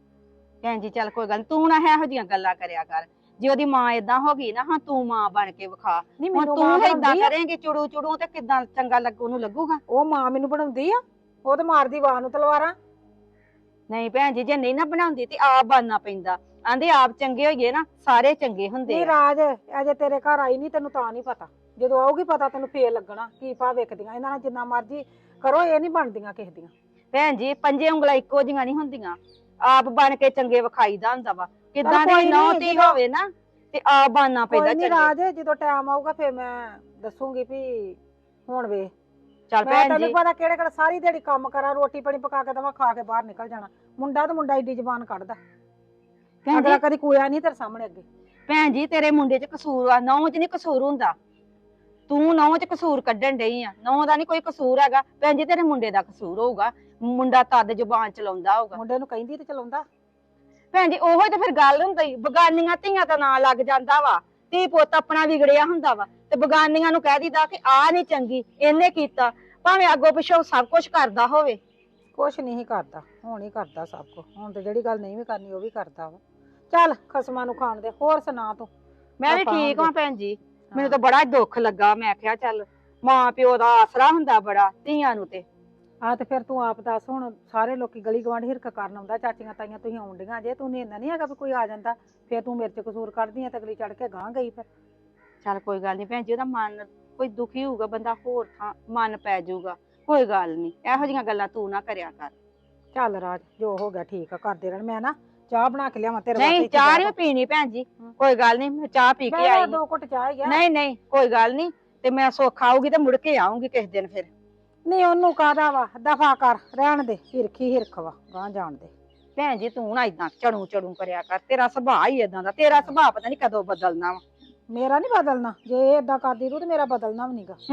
S7: ਭੈਣ ਜੀ ਚੱਲ ਕੋਈ ਗੱਲ ਨੀ, ਤੂੰ ਨਾ ਇਹੋ ਜਿਹੀਆਂ ਗੱਲਾਂ ਕਰਿਆ ਕਰ। ਜੇ ਉਹਦੀ ਮਾਂ ਏਦਾਂ ਹੋ ਗਈ ਨਾ, ਹਾਂ ਤੂੰ ਮਾਂ ਬਣ ਕੇ ਵਿਖਾ।
S6: ਨਹੀਂ
S7: ਹੁਣ
S6: ਮੈਨੂੰ
S7: ਤੂੰ
S6: ਮਾਂ
S7: ਏਦਾਂ
S6: ਬਣਾਉਂਦੀ ਆ,
S7: ਕਰੇਂਗੀ ਚੁੜੂ ਚੁੜੂ ਤੇ ਕਿੱਦਾਂ ਚੰਗਾ ਉਹਨੂੰ ਲੱਗੂਗਾ।
S6: ਉਹ ਮਾਂ ਮੈਨੂੰ ਬਣਾਉਂਦੀ ਆ, ਉਹ ਤੇ ਮਾਰਦੀ ਵਾਹ ਨੂੰ ਤਲਵਾਰਾਂ।
S7: ਨਹੀਂ ਭੈਣ ਜੀ ਜੇ ਨਹੀਂ ਨਾ ਬਣਾਉਂਦੀ ਤੇ ਆਪ ਬਣਨਾ ਪੈਂਦਾ। ਆਂਦੇ ਆਪ ਚੰਗੇ ਹੋਈਏ ਨਾ ਸਾਰੇ ਚੰਗੇ ਹੁੰਦੇ
S6: ਨਹੀਂ
S7: ਆ।
S6: ਰਾਜ ਅਜੇ ਤੇਰੇ ਘਰ ਆਈ ਨਹੀਂ, ਤੈਨੂੰ ਤਾਂ ਨਹੀਂ ਪਤਾ। ਜਦੋਂ ਆਊਗੀ ਪਤਾ ਤੈਨੂੰ ਫੇਰ ਲੱਗਣਾ ਕੀ ਭਾ ਵੇਖਦੀਆਂ। ਇਹਨਾਂ ਨਾਲ ਜਿੰਨਾ ਮਰਜ਼ੀ ਕਰੋ ਇਹ ਨਹੀਂ ਬਣਦੀਆਂ ਕਿਸੇ ਦੀਆਂ।
S7: ਭੈਣ ਜੀ 5 ਉਂਗਲਾਂ ਇੱਕੋ ਜਿਹੀਆਂ ਨਹੀਂ ਹੁੰਦੀਆਂ, ਆਪ ਬਣ ਕੇ ਚੰਗੇ ਵਿਖਾਈਦਾ ਹੁੰਦਾ ਵਾ। ਕਿੱਦਾਂ ਦੀ
S6: ਕੋਈ
S7: ਨੌ
S6: ਨੀ,
S7: ਧੀ ਹੋਵੇ ਨਾ ਤੇ ਆਪ ਬਣਨਾ ਪੈਂਦਾ
S6: ਕੋਈ ਨਹੀਂ
S7: ਚੰਗੇ।
S6: ਰਾਜ ਜਦੋਂ ਟਾਈਮ ਆਊਗਾ ਫੇਰ ਮੈਂ ਦੱਸੂਗੀ ਵੀ ਹੁਣ ਵੇ।
S7: ਚੱਲ
S6: ਮੈਂ
S7: ਭੈਣ
S6: ਤੈਨੂੰ
S7: ਜੀ
S6: ਪਤਾ ਕਿਹੜੇ ਕਿਹੜੇ ਸਾਰੀ ਦਿਹਾੜੀ ਕੰਮ ਕਰਾਂ, ਰੋਟੀ ਪਾਣੀ ਪਕਾ ਕੇ ਦਵਾਂ, ਖਾ ਕੇ ਬਾਹਰ ਨਿਕਲ ਜਾਣਾ। ਮੁੰਡਾ ਤੇ ਮੁੰਡਾ ਏਡੀ ਜ਼ਬਾਨ ਕੱਢਦਾ,
S7: ਭੈਣ
S6: ਅਗਲਾ
S7: ਜੀ
S6: ਕਦੀ ਕੋਇਆ ਨਹੀਂ ਤੇਰੇ ਸਾਹਮਣੇ ਅੱਗੇ।
S7: ਭੈਣ ਜੀ ਤੇਰੇ ਮੁੰਡੇ 'ਚ ਕਸੂਰ ਆ, ਨੌ 'ਚ ਨਹੀਂ ਕਸੂਰ ਹੁੰਦਾ। ਤੂੰ ਨੌ 'ਚ ਕਸੂਰ ਕੱਢਣ ਡਈ ਆ, ਨੌ ਦਾ ਨਹੀਂ ਕੋਈ ਕਸੂਰ ਹੈਗਾ। ਭੈਣ ਜੀ ਤੇਰੇ ਮੁੰਡੇ ਦਾ ਕਸੂਰ ਹੋਊਗਾ, ਮੁੰਡਾ ਤਦ ਜ਼ੁਬਾਨ ਚਲਾਉਂਦਾ ਹੋਊਗਾ।
S6: ਮੁੰਡੇ ਨੂੰ ਕਹਿੰਦੀ ਤੇ ਚਲਾਉਂਦਾ।
S7: ਭੈਣ ਜੀ ਉਹੋ ਤੇ ਫਿਰ ਗੱਲ ਹੁੰਦੀ, ਬਗਾਨੀਆਂ ਧੀਆਂ ਦਾ ਨਾਂ ਲੱਗ ਜਾਂਦਾ ਵਾ। ਧੀ ਪੁੱਤ ਆਪਣਾ ਵਿਗੜਿਆ ਹੁੰਦਾ ਵਾ ਤੇ ਬਗਾਨੀਆਂ ਨੂੰ ਕਹਿ ਦਿੰਦਾ ਕਿ ਆ ਨਹੀਂ ਚੰਗੀ, ਇਹਨੇ ਕੀਤਾ, ਭਾਵੇਂ ਅੱਗੋਂ ਪਿੱਛੋਂ ਸਭ ਕੁਝ ਕਰਦਾ ਹੋਵੇ।
S6: ਕੁਛ ਨਹੀਂ ਕਰਦਾ, ਹੁਣ ਹੀ ਕਰਦਾ ਸਭ ਕੁਝ। ਹੁਣ ਤੇ ਜਿਹੜੀ ਗੱਲ ਨਹੀਂ ਵੀ ਕਰਨੀ ਉਹ ਵੀ ਕਰਦਾ ਵਾ। ਚੱਲ ਖਸਮਾਂ ਨੂੰ ਖਾਣ ਦੇ। ਹੋਰ ਸੁਣਾ ਤੂੰ?
S7: ਮੈਂ ਵੀ
S6: ਆਪਾਂ
S7: ਠੀਕ
S6: ਹੁੰਦੇ।
S7: ਹਾਂ ਭੈਣ ਜੀ, ਮੈਨੂੰ ਤਾਂ ਬੜਾ ਦੁੱਖ ਲੱਗਾ। ਮੈਂ ਕਿਹਾ ਚੱਲ ਮਾਂ ਪਿਓ ਦਾ ਆਸਰਾ ਹੁੰਦਾ ਬੜਾ ਧੀਆਂ ਨੂੰ ਤੇ।
S6: ਆ ਤੇ ਫਿਰ ਤੂੰ ਆਪ ਦੱਸ, ਹੁਣ ਸਾਰੇ ਲੋਕੀ ਗਲੀ ਗਵਾਂਢ ਹਿਰਖ ਕਰਨ ਆਉਂਦਾ, ਚਾਚੀਆਂ ਤਾਈਆਂ ਤੁਸੀਂ ਆਉਂਦੀਆਂ ਜੇ, ਤੂੰ ਇੰਨਾ ਨਹੀਂ ਹੈਗਾ ਵੀ ਕੋਈ ਆ ਜਾਂਦਾ ਫਿਰ ਤੂੰ ਮੇਰੇ 'ਚ ਕਸੂਰ ਕੱਢਦੀ ਆ ਤੇ ਅਗਲੀ ਚੜ ਕੇ ਗਾਂ ਗਈ। ਫਿਰ
S7: ਚੱਲ ਕੋਈ ਗੱਲ ਨਹੀਂ ਭੈਣ ਜੀ, ਉਹਦਾ ਮਨ ਕੋਈ ਦੁਖੀ ਹੋਊਗਾ, ਬੰਦਾ ਹੋਰ ਥਾਂ ਮਨ ਪੈ ਜਾਊਗਾ। ਕੋਈ ਗੱਲ ਨਹੀਂ, ਇਹੋ ਜਿਹੀਆਂ ਗੱਲਾਂ ਤੂੰ ਨਾ ਕਰਿਆ ਕਰ।
S6: ਚੱਲ ਰਾਜ ਜੋ ਹੋ ਗਿਆ ਠੀਕ ਆ, ਕਰਦੇ ਰਹਿਣ। ਮੈਂ ਨਾ ਚਾਹ ਬਣਾ ਕੇ ਲਿਆਵਾਂ ਤੇਰੇ
S7: ਨਹੀਂ
S6: ਇੱਥੇ
S7: ਚਾਹ
S6: ਜਾ
S7: ਨਹੀਂ
S6: ਕੇ।
S7: ਪੀਣੀ ਭੈਣ ਜੀ, ਕੋਈ ਗੱਲ ਨਹੀਂ, ਮੈਂ ਚਾਹ ਪੀ ਕੇ
S6: ਮੈਂ
S7: ਆਈ।
S6: 2 ਘੁੱਟ ਚਾਹ ਹੀ ਆ।
S7: ਨਹੀਂ ਨਹੀਂ ਕੋਈ ਗੱਲ ਨਹੀਂ, ਤੇ ਮੈਂ ਸੁੱਖ ਆਊਗੀ ਤੇ ਮੁੜ ਕੇ ਆਉਂਗੀ ਕਿਸੇ ਦਿਨ ਫਿਰ।
S6: ਨਹੀਂ ਉਹਨੂੰ ਕਾਹਦਾ ਵਾ, ਦਫਾ ਕਰ, ਰਹਿਣ ਦੇ। ਹਿਰਖੀ ਹਿਰਖ ਵਾ, ਗਾਂ ਜਾਣ ਦੇ।
S7: ਭੈਣ ਜੀ ਤੂੰ ਨਾ ਇਦਾਂ ਚੜੂ ਚੜੂ ਕਰਿਆ ਕਰ, ਤੇਰਾ ਸੁਭਾਅ ਹੀ ਇਦਾਂ ਦਾ। ਤੇਰਾ ਸੁਭਾਅ ਪਤਾ ਨਹੀਂ ਕਦੋਂ ਬਦਲਣਾ ਵਾ।
S6: ਮੇਰਾ ਨਹੀਂ ਬਦਲਣਾ, ਜੇ ਇਹ ਏਦਾਂ ਕਰਦੀ ਤੂੰ ਤੇ ਮੇਰਾ ਬਦਲਣਾ ਵੀ ਨਹੀਂਗਾ।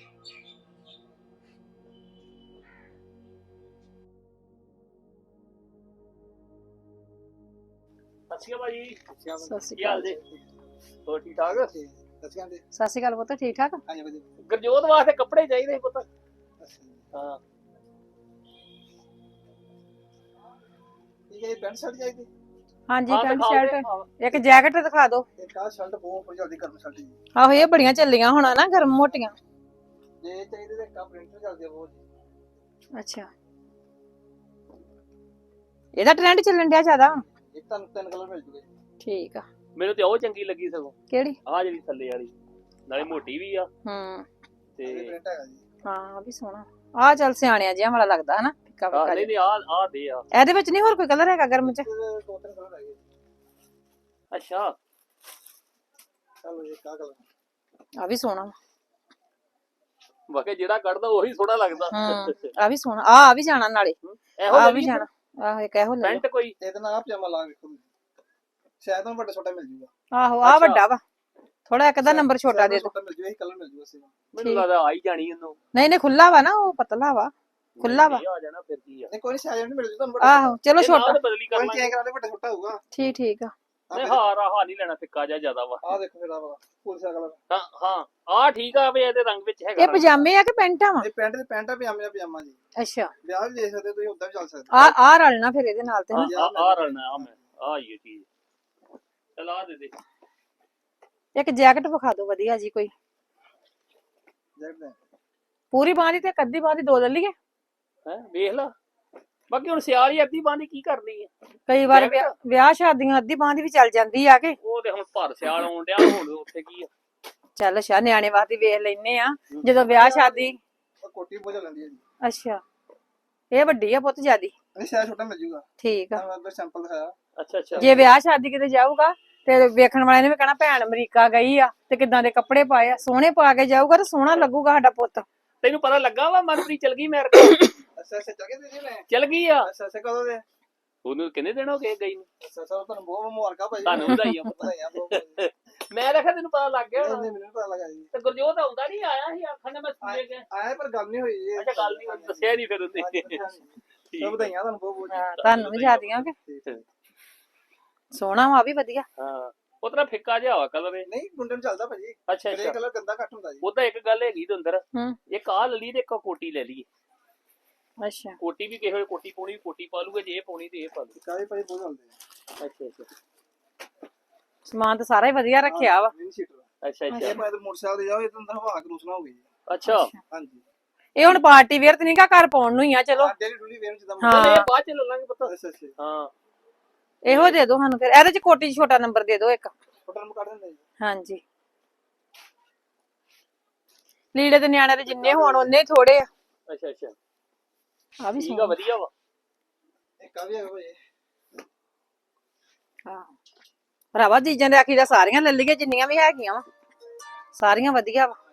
S8: ਸਤਿ ਸ਼੍ਰੀ ਅਕਾਲ ਭਾਜੀ।
S9: ਸਤਿ ਸ਼੍ਰੀ
S8: ਕੀ ਹਾਲ ਜੀ? ਹੋਰ ਠੀਕ ਠਾਕ?
S9: ਅਕਾਲ ਪੁੱਤ, ਠੀਕ ਠਾਕ?
S8: ਗੁਰਜੋਤ ਵਾਸਤੇ ਕੱਪੜੇ ਚਾਹੀਦੇ ਸੀ ਪੁੱਤ। ਹਾਂ
S3: ਪੈਂਟ ਸ਼ਰਟ ਚਾਹੀਦੀ।
S9: ਹਾਂਜੀ
S8: ਹਾਂ,
S9: ਪੈਂਟ
S8: ਦਿਖਾਓ
S9: ਸ਼ਰਟ,
S8: ਤੇ, ਹਾਂ।
S9: ਇੱਕ ਜੈਕਟ ਦਿਖਾ ਦਿਓ।
S3: ਇੱਕ ਆਹ ਸ਼ਰਟ ਬਹੁਤ ਜਲਦੀ ਗਰਮ ਸ਼ਰਟ ਜੀ।
S9: ਆਹੋ ਇਹ ਬੜੀਆਂ ਚੱਲੀਆਂ ਹੁਣ ਨਾ, ਗਰਮ ਮੋਟੀਆਂ।
S3: ਜੇ ਚਾਹੀਦੇ ਤੇ ਇੱਕ ਪ੍ਰਿੰਟ ਚੱਲਦੀ ਆ ਬਹੁਤ।
S9: ਅੱਛਾ, ਇਹਦਾ ਟ੍ਰੈਂਡ ਚੱਲਣ ਡਿਆ ਜ਼ਿਆਦਾ ਹੁਣ।
S3: ਇੱਕ ਤੁਹਾਨੂੰ 3 ਕਲਰ ਮਿਲ ਜੂਗੇ।
S9: ਠੀਕ ਆ।
S8: ਮੈਨੂੰ ਤੇ ਉਹ ਚੰਗੀ ਲੱਗੀ ਸਗੋਂ,
S9: ਕਿਹੜੀ?
S8: ਆਹ ਜਿਹੜੀ ਥੱਲੇ ਵਾਲੀ, ਨਾਲੇ ਮੋਟੀ ਵੀ ਆ
S9: ਹੂੰ,
S8: ਤੇ
S3: ਪ੍ਰਿੰਟ ਹੈਗਾ ਜੀ।
S9: ਹਾਂ ਆਹ ਵੀ ਸੋਹਣਾ। ਆਹ ਚੱਲ ਸਿਆਣਿਆਂ ਜਿਹਾ ਵਾਲਾ ਲੱਗਦਾ ਹਨਾ, ਫਿੱਕਾ ਫਿੱਕਾ
S8: ਨਹੀਂ
S9: ਜਿਹਾ।
S8: ਨਹੀਂ ਆਹ ਦੇ ਆ।
S9: ਇਹਦੇ ਵਿੱਚ ਨਹੀਂ ਹੋਰ ਕੋਈ ਕਲਰ ਹੈਗਾ ਗਰਮ ਚ?
S3: ਇਹਦੇ 2-3 ਕਲਰ ਹੈਗੇ।
S8: ਅੱਛਾ
S3: ਚਲੋ ਇਹ ਕਾ ਕਲਰ।
S9: ਆਹ ਵੀ ਸੋਹਣਾ ਵਾ।
S8: ਬਾਕੀ ਜਿਹੜਾ ਕੱਢਦਾ ਉਹੀ ਸੋਹਣਾ ਲੱਗਦਾ।
S9: ਹੂੰ, ਆਹ ਵੀ ਸੋਹਣਾ। ਆਹ ਵੀ ਜਾਣਾ ਨਾਲੇ,
S8: ਇਹੋ
S9: ਆਹ ਵੀ
S8: ਜਿਹੀ
S9: ਜਾਣਾ। ਆਹੋ ਇੱਕ ਇਹੋ ਲੈ
S8: ਪੈਂਟ ਕੋਈ
S3: ਇਹਦੇ ਨਾਲ ਆਹ ਪਜਾਮਾ ਲਾ ਵੇਖੋ, ਸ਼ਾਇਦ ਤੁਹਾਨੂੰ ਵੱਡਾ ਛੋਟਾ ਮਿਲ ਜੂਗਾ।
S9: ਆਹੋ ਆਹ
S8: ਅੱਛਾ।
S9: ਵੱਡਾ ਵਾ, ਥੋੜਾ ਇੱਕ ਦਾ ਨੰਬਰ ਛੋਟਾ ਦੇ ਦਿਓ।
S3: ਛੋਟਾ ਮਿਲ ਜੂਗਾ, ਇਹ ਕਲਰ ਮਿਲ ਜੂਗਾ ਸੇਮ।
S8: ਮੈਨੂੰ ਲੱਗਦਾ ਆਈ ਜਾਣੀ ਉਹਨੂੰ।
S9: ਨਹੀਂ ਨਹੀਂ ਖੁੱਲਾ ਵਾ ਨਾ, ਉਹ ਪਤਲਾ ਵਾ। ਖੁੱਲਾ ਵਾ
S8: ਆ ਜਾਣਾ ਫਿਰ ਕੀ ਆ
S3: ਨਹੀਂ ਕੋਈ ਸਾਜਣ ਨਹੀਂ ਮਿਲ ਜੂ ਤੁਹਾਨੂੰ
S9: ਆਹੋ ਚਲੋ
S8: ਇਹ ਨਾਲ
S9: ਛੋਟਾ
S8: ਤਾਂ ਬਦਲੀ ਕਰ
S3: ਕੋਈ
S8: ਲਾਂਗੇ
S3: ਚੇਂਜ ਕਰਾ ਦੇ ਵੱਡਾ ਛੋਟਾ ਹੋਊਗਾ
S9: ਠੀਕ ਆ
S8: ਨਹੀਂ ਹਾਰ ਨਹੀਂ ਲੈਣਾ ਫਿੱਕਾ ਜਿਹਾ ਜ਼ਿਆਦਾ ਵਾ
S3: ਆਹ ਦੇਖੋ ਫਿਰ ਆ ਵਾਲਾ ਫੁੱਲ ਸਾ ਕਲਰ
S8: ਹਾਂ ਹਾਂ ਆ ਠੀਕ ਆ ਵੀ ਇਹਦੇ ਰੰਗ ਵਿੱਚ ਹੈਗਾ
S9: ਇਹ ਪਜਾਮੇ ਆ ਕਿ ਪੈਂਟਾਂ ਵਾ
S3: ਇਹ ਪੈਂਟ ਤੇ ਪੈਂਟ ਆ ਪਜਾਮਾ ਪਜਾਮਾ ਜੀ
S9: ਅੱਛਾ
S3: ਵਿਆਹ ਵੀ ਦੇਖ ਸਕਦੇ ਤੁਸੀਂ ਉਦਾਂ ਵੀ ਚੱਲ ਸਕਦੇ
S9: ਆ ਰਲਣਾ ਫਿਰ ਇਹਦੇ ਨਾਲ ਤੇ ਨਾ।
S8: ਆ ਰਲਣਾ ਆ ਮੈਂ ਆ ਹੀ ਚੀਜ਼ ਚਲ ਆ ਦੇ ਦੇ
S9: ਇੱਕ ਜੈਕਟ ਵਿਖਾ ਦਿਓ ਵਧੀਆ ਜੀ ਕੋਈ
S3: ਜੈਕਟ ਲੈ
S9: ਪੂਰੀ ਬਾਂਹ ਦੀ ਤੇ ਇੱਕ ਅੱਧੀ ਬਾਂਹ ਦੀ ਦੋ ਲੈ ਲਈਏ
S8: ਹੈ ਵੇਖ ਲਾ ਬਾਕੀ ਹੁਣ ਸਿਆਲ ਹੀ ਅੱਧੀ ਬਾਂਹ ਕੀ ਕਰਨੀ ਹੈ
S9: ਕਈ ਵਾਰ ਵਿਆਹ ਸ਼ਾਦੀਆਂ ਅੱਧੀ ਬਾਂਹ ਦੀ ਵੀ ਚੱਲ ਜਾਂਦੀ ਆ ਕੇ
S8: ਉਹ ਤੇ ਹੁਣ ਭਰ ਸਿਆਲ ਆਉਣ ਡਿਆ ਹੁਣ ਉੱਥੇ ਕੀ ਆ
S9: ਚੱਲ ਅੱਛਾ ਨਿਆਣੇ ਵਾਸਤੇ ਵੇਖ ਲੈਨੇ ਆ ਜਦੋਂ ਵਿਆਹ ਸ਼ਾਦੀ
S3: ਉਹ ਕੋਟੀ ਬੋਝ ਲੈਂਦੀ ਹੈ ਜੀ
S9: ਅੱਛਾ ਇਹ ਵੱਡੀ ਆ ਪੁੱਤ ਜਿਆਦੀ
S3: ਨਹੀਂ ਸਾਈਜ਼ ਛੋਟਾ ਮਿਲ ਜੂਗਾ
S9: ਠੀਕ ਆ
S3: ਮੈਂ ਅੰਦਰ ਸੈਂਪਲ ਦਿਖਾਇਆ
S8: ਅੱਛਾ ਅੱਛਾ
S9: ਜੇ ਵਿਆਹ ਸ਼ਾਦੀ ਕਿਤੇ ਜਾਊਗਾ ਤੇ ਵੇਖਣ ਵਾਲੇ ਨੇ ਵੀ ਕਹਿਣਾ ਭੈਣ ਅਮਰੀਕਾ ਗਈ ਆ ਤੇ ਕਿੱਦਾਂ ਦੇ ਕੱਪੜੇ ਪਾਏ ਆ ਸੋਹਣੇ ਪਾ ਕੇ ਜਾਊਗਾ ਤੇ ਸੋਹਣਾ ਲੱਗੂਗਾ ਸਾਡਾ ਪੁੱਤ
S8: ਤੈਨੂੰ ਪਤਾ ਲੱਗਾ ਵਾ ਮਨਪ੍ਰੀਤ ਚਲ ਗਈ ਮੇਰੇ ਕੋਲ
S3: ਅੱਛਾ ਅੱਛਾ ਚੱਲ ਗਏ ਤੁਸੀਂ ਮੈਂ
S8: ਚਲ ਗਈ ਆ
S3: ਅੱਛਾ ਅੱਛਾ ਕਦੋਂ ਦੇ
S8: ਉਹਨੂੰ ਕਿੰਨੇ ਦਿਨ ਹੋ ਗਏ ਗਈ ਨੂੰ
S3: ਅੱਛਾ ਅੱਛਾ ਤੁਹਾਨੂੰ ਬਹੁਤ ਮੁਬਾਰਕਾਂ ਭਾਈ
S8: ਤੁਹਾਨੂੰ ਵਧਾਈਆਂ
S3: ਵਧਾਈਆਂ ਬਹੁਤ
S8: ਮੈਂ ਦੇਖਿਆ ਤੈਨੂੰ ਪਤਾ ਲੱਗ ਗਿਆ
S3: ਨਹੀਂ
S8: ਹੋਣਾ।
S3: ਨਹੀਂ ਮੈਨੂੰ ਪਤਾ ਲੱਗਾ ਜੀ
S8: ਤੇ ਗੁਰਜੋਤ ਆਉਂਦਾ ਨਹੀਂ ਆਇਆ ਸੀ ਆਖਣ ਨੇ ਮੈਂ ਸੁਣੇ ਗਿਆ
S3: ਆਇਆ ਪਰ ਗੱਲ ਨਹੀਂ ਹੋਈ ਜੀ
S8: ਅੱਛਾ ਗੱਲ ਨਹੀਂ ਹੋਈ, ਦੱਸਿਆ ਨਹੀਂ ਫਿਰ ਉਹਨੇ
S3: ਸਭ ਵਧਾਈਆਂ ਤੁਹਾਨੂੰ ਬਹੁਤ ਬਹੁਤ
S9: ਹਾਂ ਤੁਹਾਨੂੰ ਵੀ ਜਿਆਦੀਆਂ ਕਿ ਸੋਹਣਾ ਵਾ ਵੀ ਵਧੀਆ
S8: ਹਾਂ ਉਹ ਤਰ੍ਹਾਂ ਫਿੱਕਾ ਜਿਹਾ ਵਾ ਕਲਰ ਇਹ
S3: ਨਹੀਂ ਗੁੰਡੇ ਨੂੰ ਚੱਲਦਾ ਭਾਜੀ
S8: ਅੱਛਾ
S3: ਗ੍ਰੇ
S8: ਅੱਛਾ
S3: ਕਲਰ ਗੰਦਾ ਘੱਟ ਹੁੰਦਾ ਜੀ
S8: ਉਹਦਾ ਇੱਕ ਗੱਲ ਹੈਗੀ ਤੇ ਅੰਦਰ
S9: ਹੂੰ
S8: ਇੱਕ ਆਹ ਲੈ ਲਈ ਤੇ ਇੱਕ ਕੋਟੀ ਲੈ ਲਈ
S9: ਅੱਛਾ
S8: ਕੋਟੀ ਵੀ ਕਿਸੇ ਵੇਲੇ ਕੋਟੀ ਪਾਉਣੀ ਕੋਟੀ ਪਾ ਲੂਗਾ ਜੇ ਇਹ ਪਾਉਣੀ ਤੇ ਇਹ ਪਾ ਲੂ
S3: ਕਾਲੇ ਭਾਜੀ ਬਹੁਤ ਹੁੰਦੇ
S8: ਅੱਛਾ ਅੱਛਾ
S9: ਸਮਾਨ ਤਾਂ ਸਾਰਾ ਹੀ ਵਧੀਆ ਰੱਖਿਆ ਵਾ
S3: ਵਿੰਡ ਸ਼ੀਟਰ
S8: ਅੱਛਾ
S3: ਇਹ
S8: ਅੱਛਾ
S3: ਮੈਂ ਮੋਟਰਸਾਈਕਲ ਤੇ ਜਾਓ ਇਹ ਤਾਂ ਅੰਦਰ ਹਵਾ ਕਰੂਸ ਨਾ ਹੋਊਗੀ ਜੀ
S8: ਅੱਛਾ
S3: ਹਾਂਜੀ
S9: ਇਹ ਹੁਣ ਪਾਰਟੀ ਵੇਅਰ ਤੇ ਨਹੀਂਗਾ ਘਰ ਪਾਉਣ ਨੂੰ ਹੀ ਆ ਚਲੋ
S3: ਡੇਲੀ ਡੂਲੀ ਵੇਰ ਜਿੱਦਾਂ
S9: ਹਾਂ।
S8: ਚਲ ਇਹ ਬਾਅਦ ਚ ਲੈ ਲਾਂਗੇ ਪਤਾ
S3: ਅੱਛਾ ਅੱਛਾ
S8: ਹਾਂ
S9: ਇਹੋ ਦੇ ਦਿਓ ਸਾਨੂੰ ਫਿਰ ਇਹਦੇ ਚ ਕੋਟੀ 'ਚ ਛੋਟਾ ਨੰਬਰ ਦੇ ਦਿਓ ਇੱਕ
S3: ਫੋਟੋ ਨੂੰ ਕੱਢ ਦਿੰਦੇ ਜੀ
S9: ਹਾਂਜੀ ਲੀੜੇ ਤੇ ਨਿਆਣਿਆਂ ਦੇ ਜਿੰਨੇ ਹੋਣ ਉਹਨੇ ਥੋੜੇ ਆ
S8: ਅੱਛਾ ਅੱਛਾ
S9: ਆ ਵੀ
S8: ਠੀਕ ਆ
S9: ਸੋਹਣਾ
S8: ਵਧੀਆ ਵਾ
S3: ਇੱਕ ਆ ਵੀ ਹੈਗਾ ਭਾਜੀ
S9: ਹਾਂ ਭਰਾਵਾ ਚੀਜ਼ਾਂ ਦੇ ਆਖੀ ਦਾ ਸਾਰੀਆਂ ਲੈ ਲਈਏ ਜਿੰਨੀਆਂ ਵੀ ਹੈਗੀਆਂ ਵਾ ਸਾਰੀਆਂ ਵਧੀਆ ਵਾ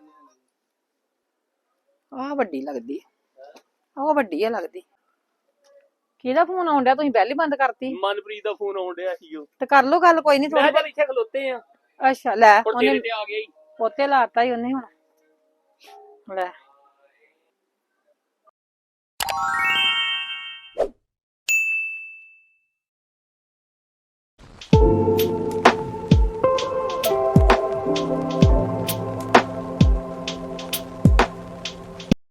S9: ਆਹ ਵੱਡੀ ਲੱਗਦੀ ਉਹ ਵੱਡੀ ਆ ਲੱਗਦੀ ਕਿਹਦਾ ਫੋਨ ਆਉਣ ਡਿਆ ਤੁਸੀਂ ਪਹਿਲੀ ਬੰਦ ਕਰਤੀ
S8: ਮਨਪ੍ਰੀਤ ਦਾ ਫੋਨ ਆਉਣ ਡਿਆ ਸੀ ਉਹ
S9: ਤੇ ਕਰ ਲੋ ਗੱਲ ਕੋਈ ਨਹੀਂ
S8: ਮੈਂ
S9: ਥੋੜੀ
S8: ਚੱਲ ਇੱਥੇ ਖਲੋਤੇ ਆ
S9: ਅੱਛਾ ਲੈ
S8: ਹੁਣ
S9: ਉਹਨੇ
S8: ਤੇਰੇ ਤੇ ਆ ਗਿਆ ਹੀ
S9: ਪੋਤੇ ਲਾਤਾ ਹੀ ਉਹਨੇ ਹੁਣ ਲੈ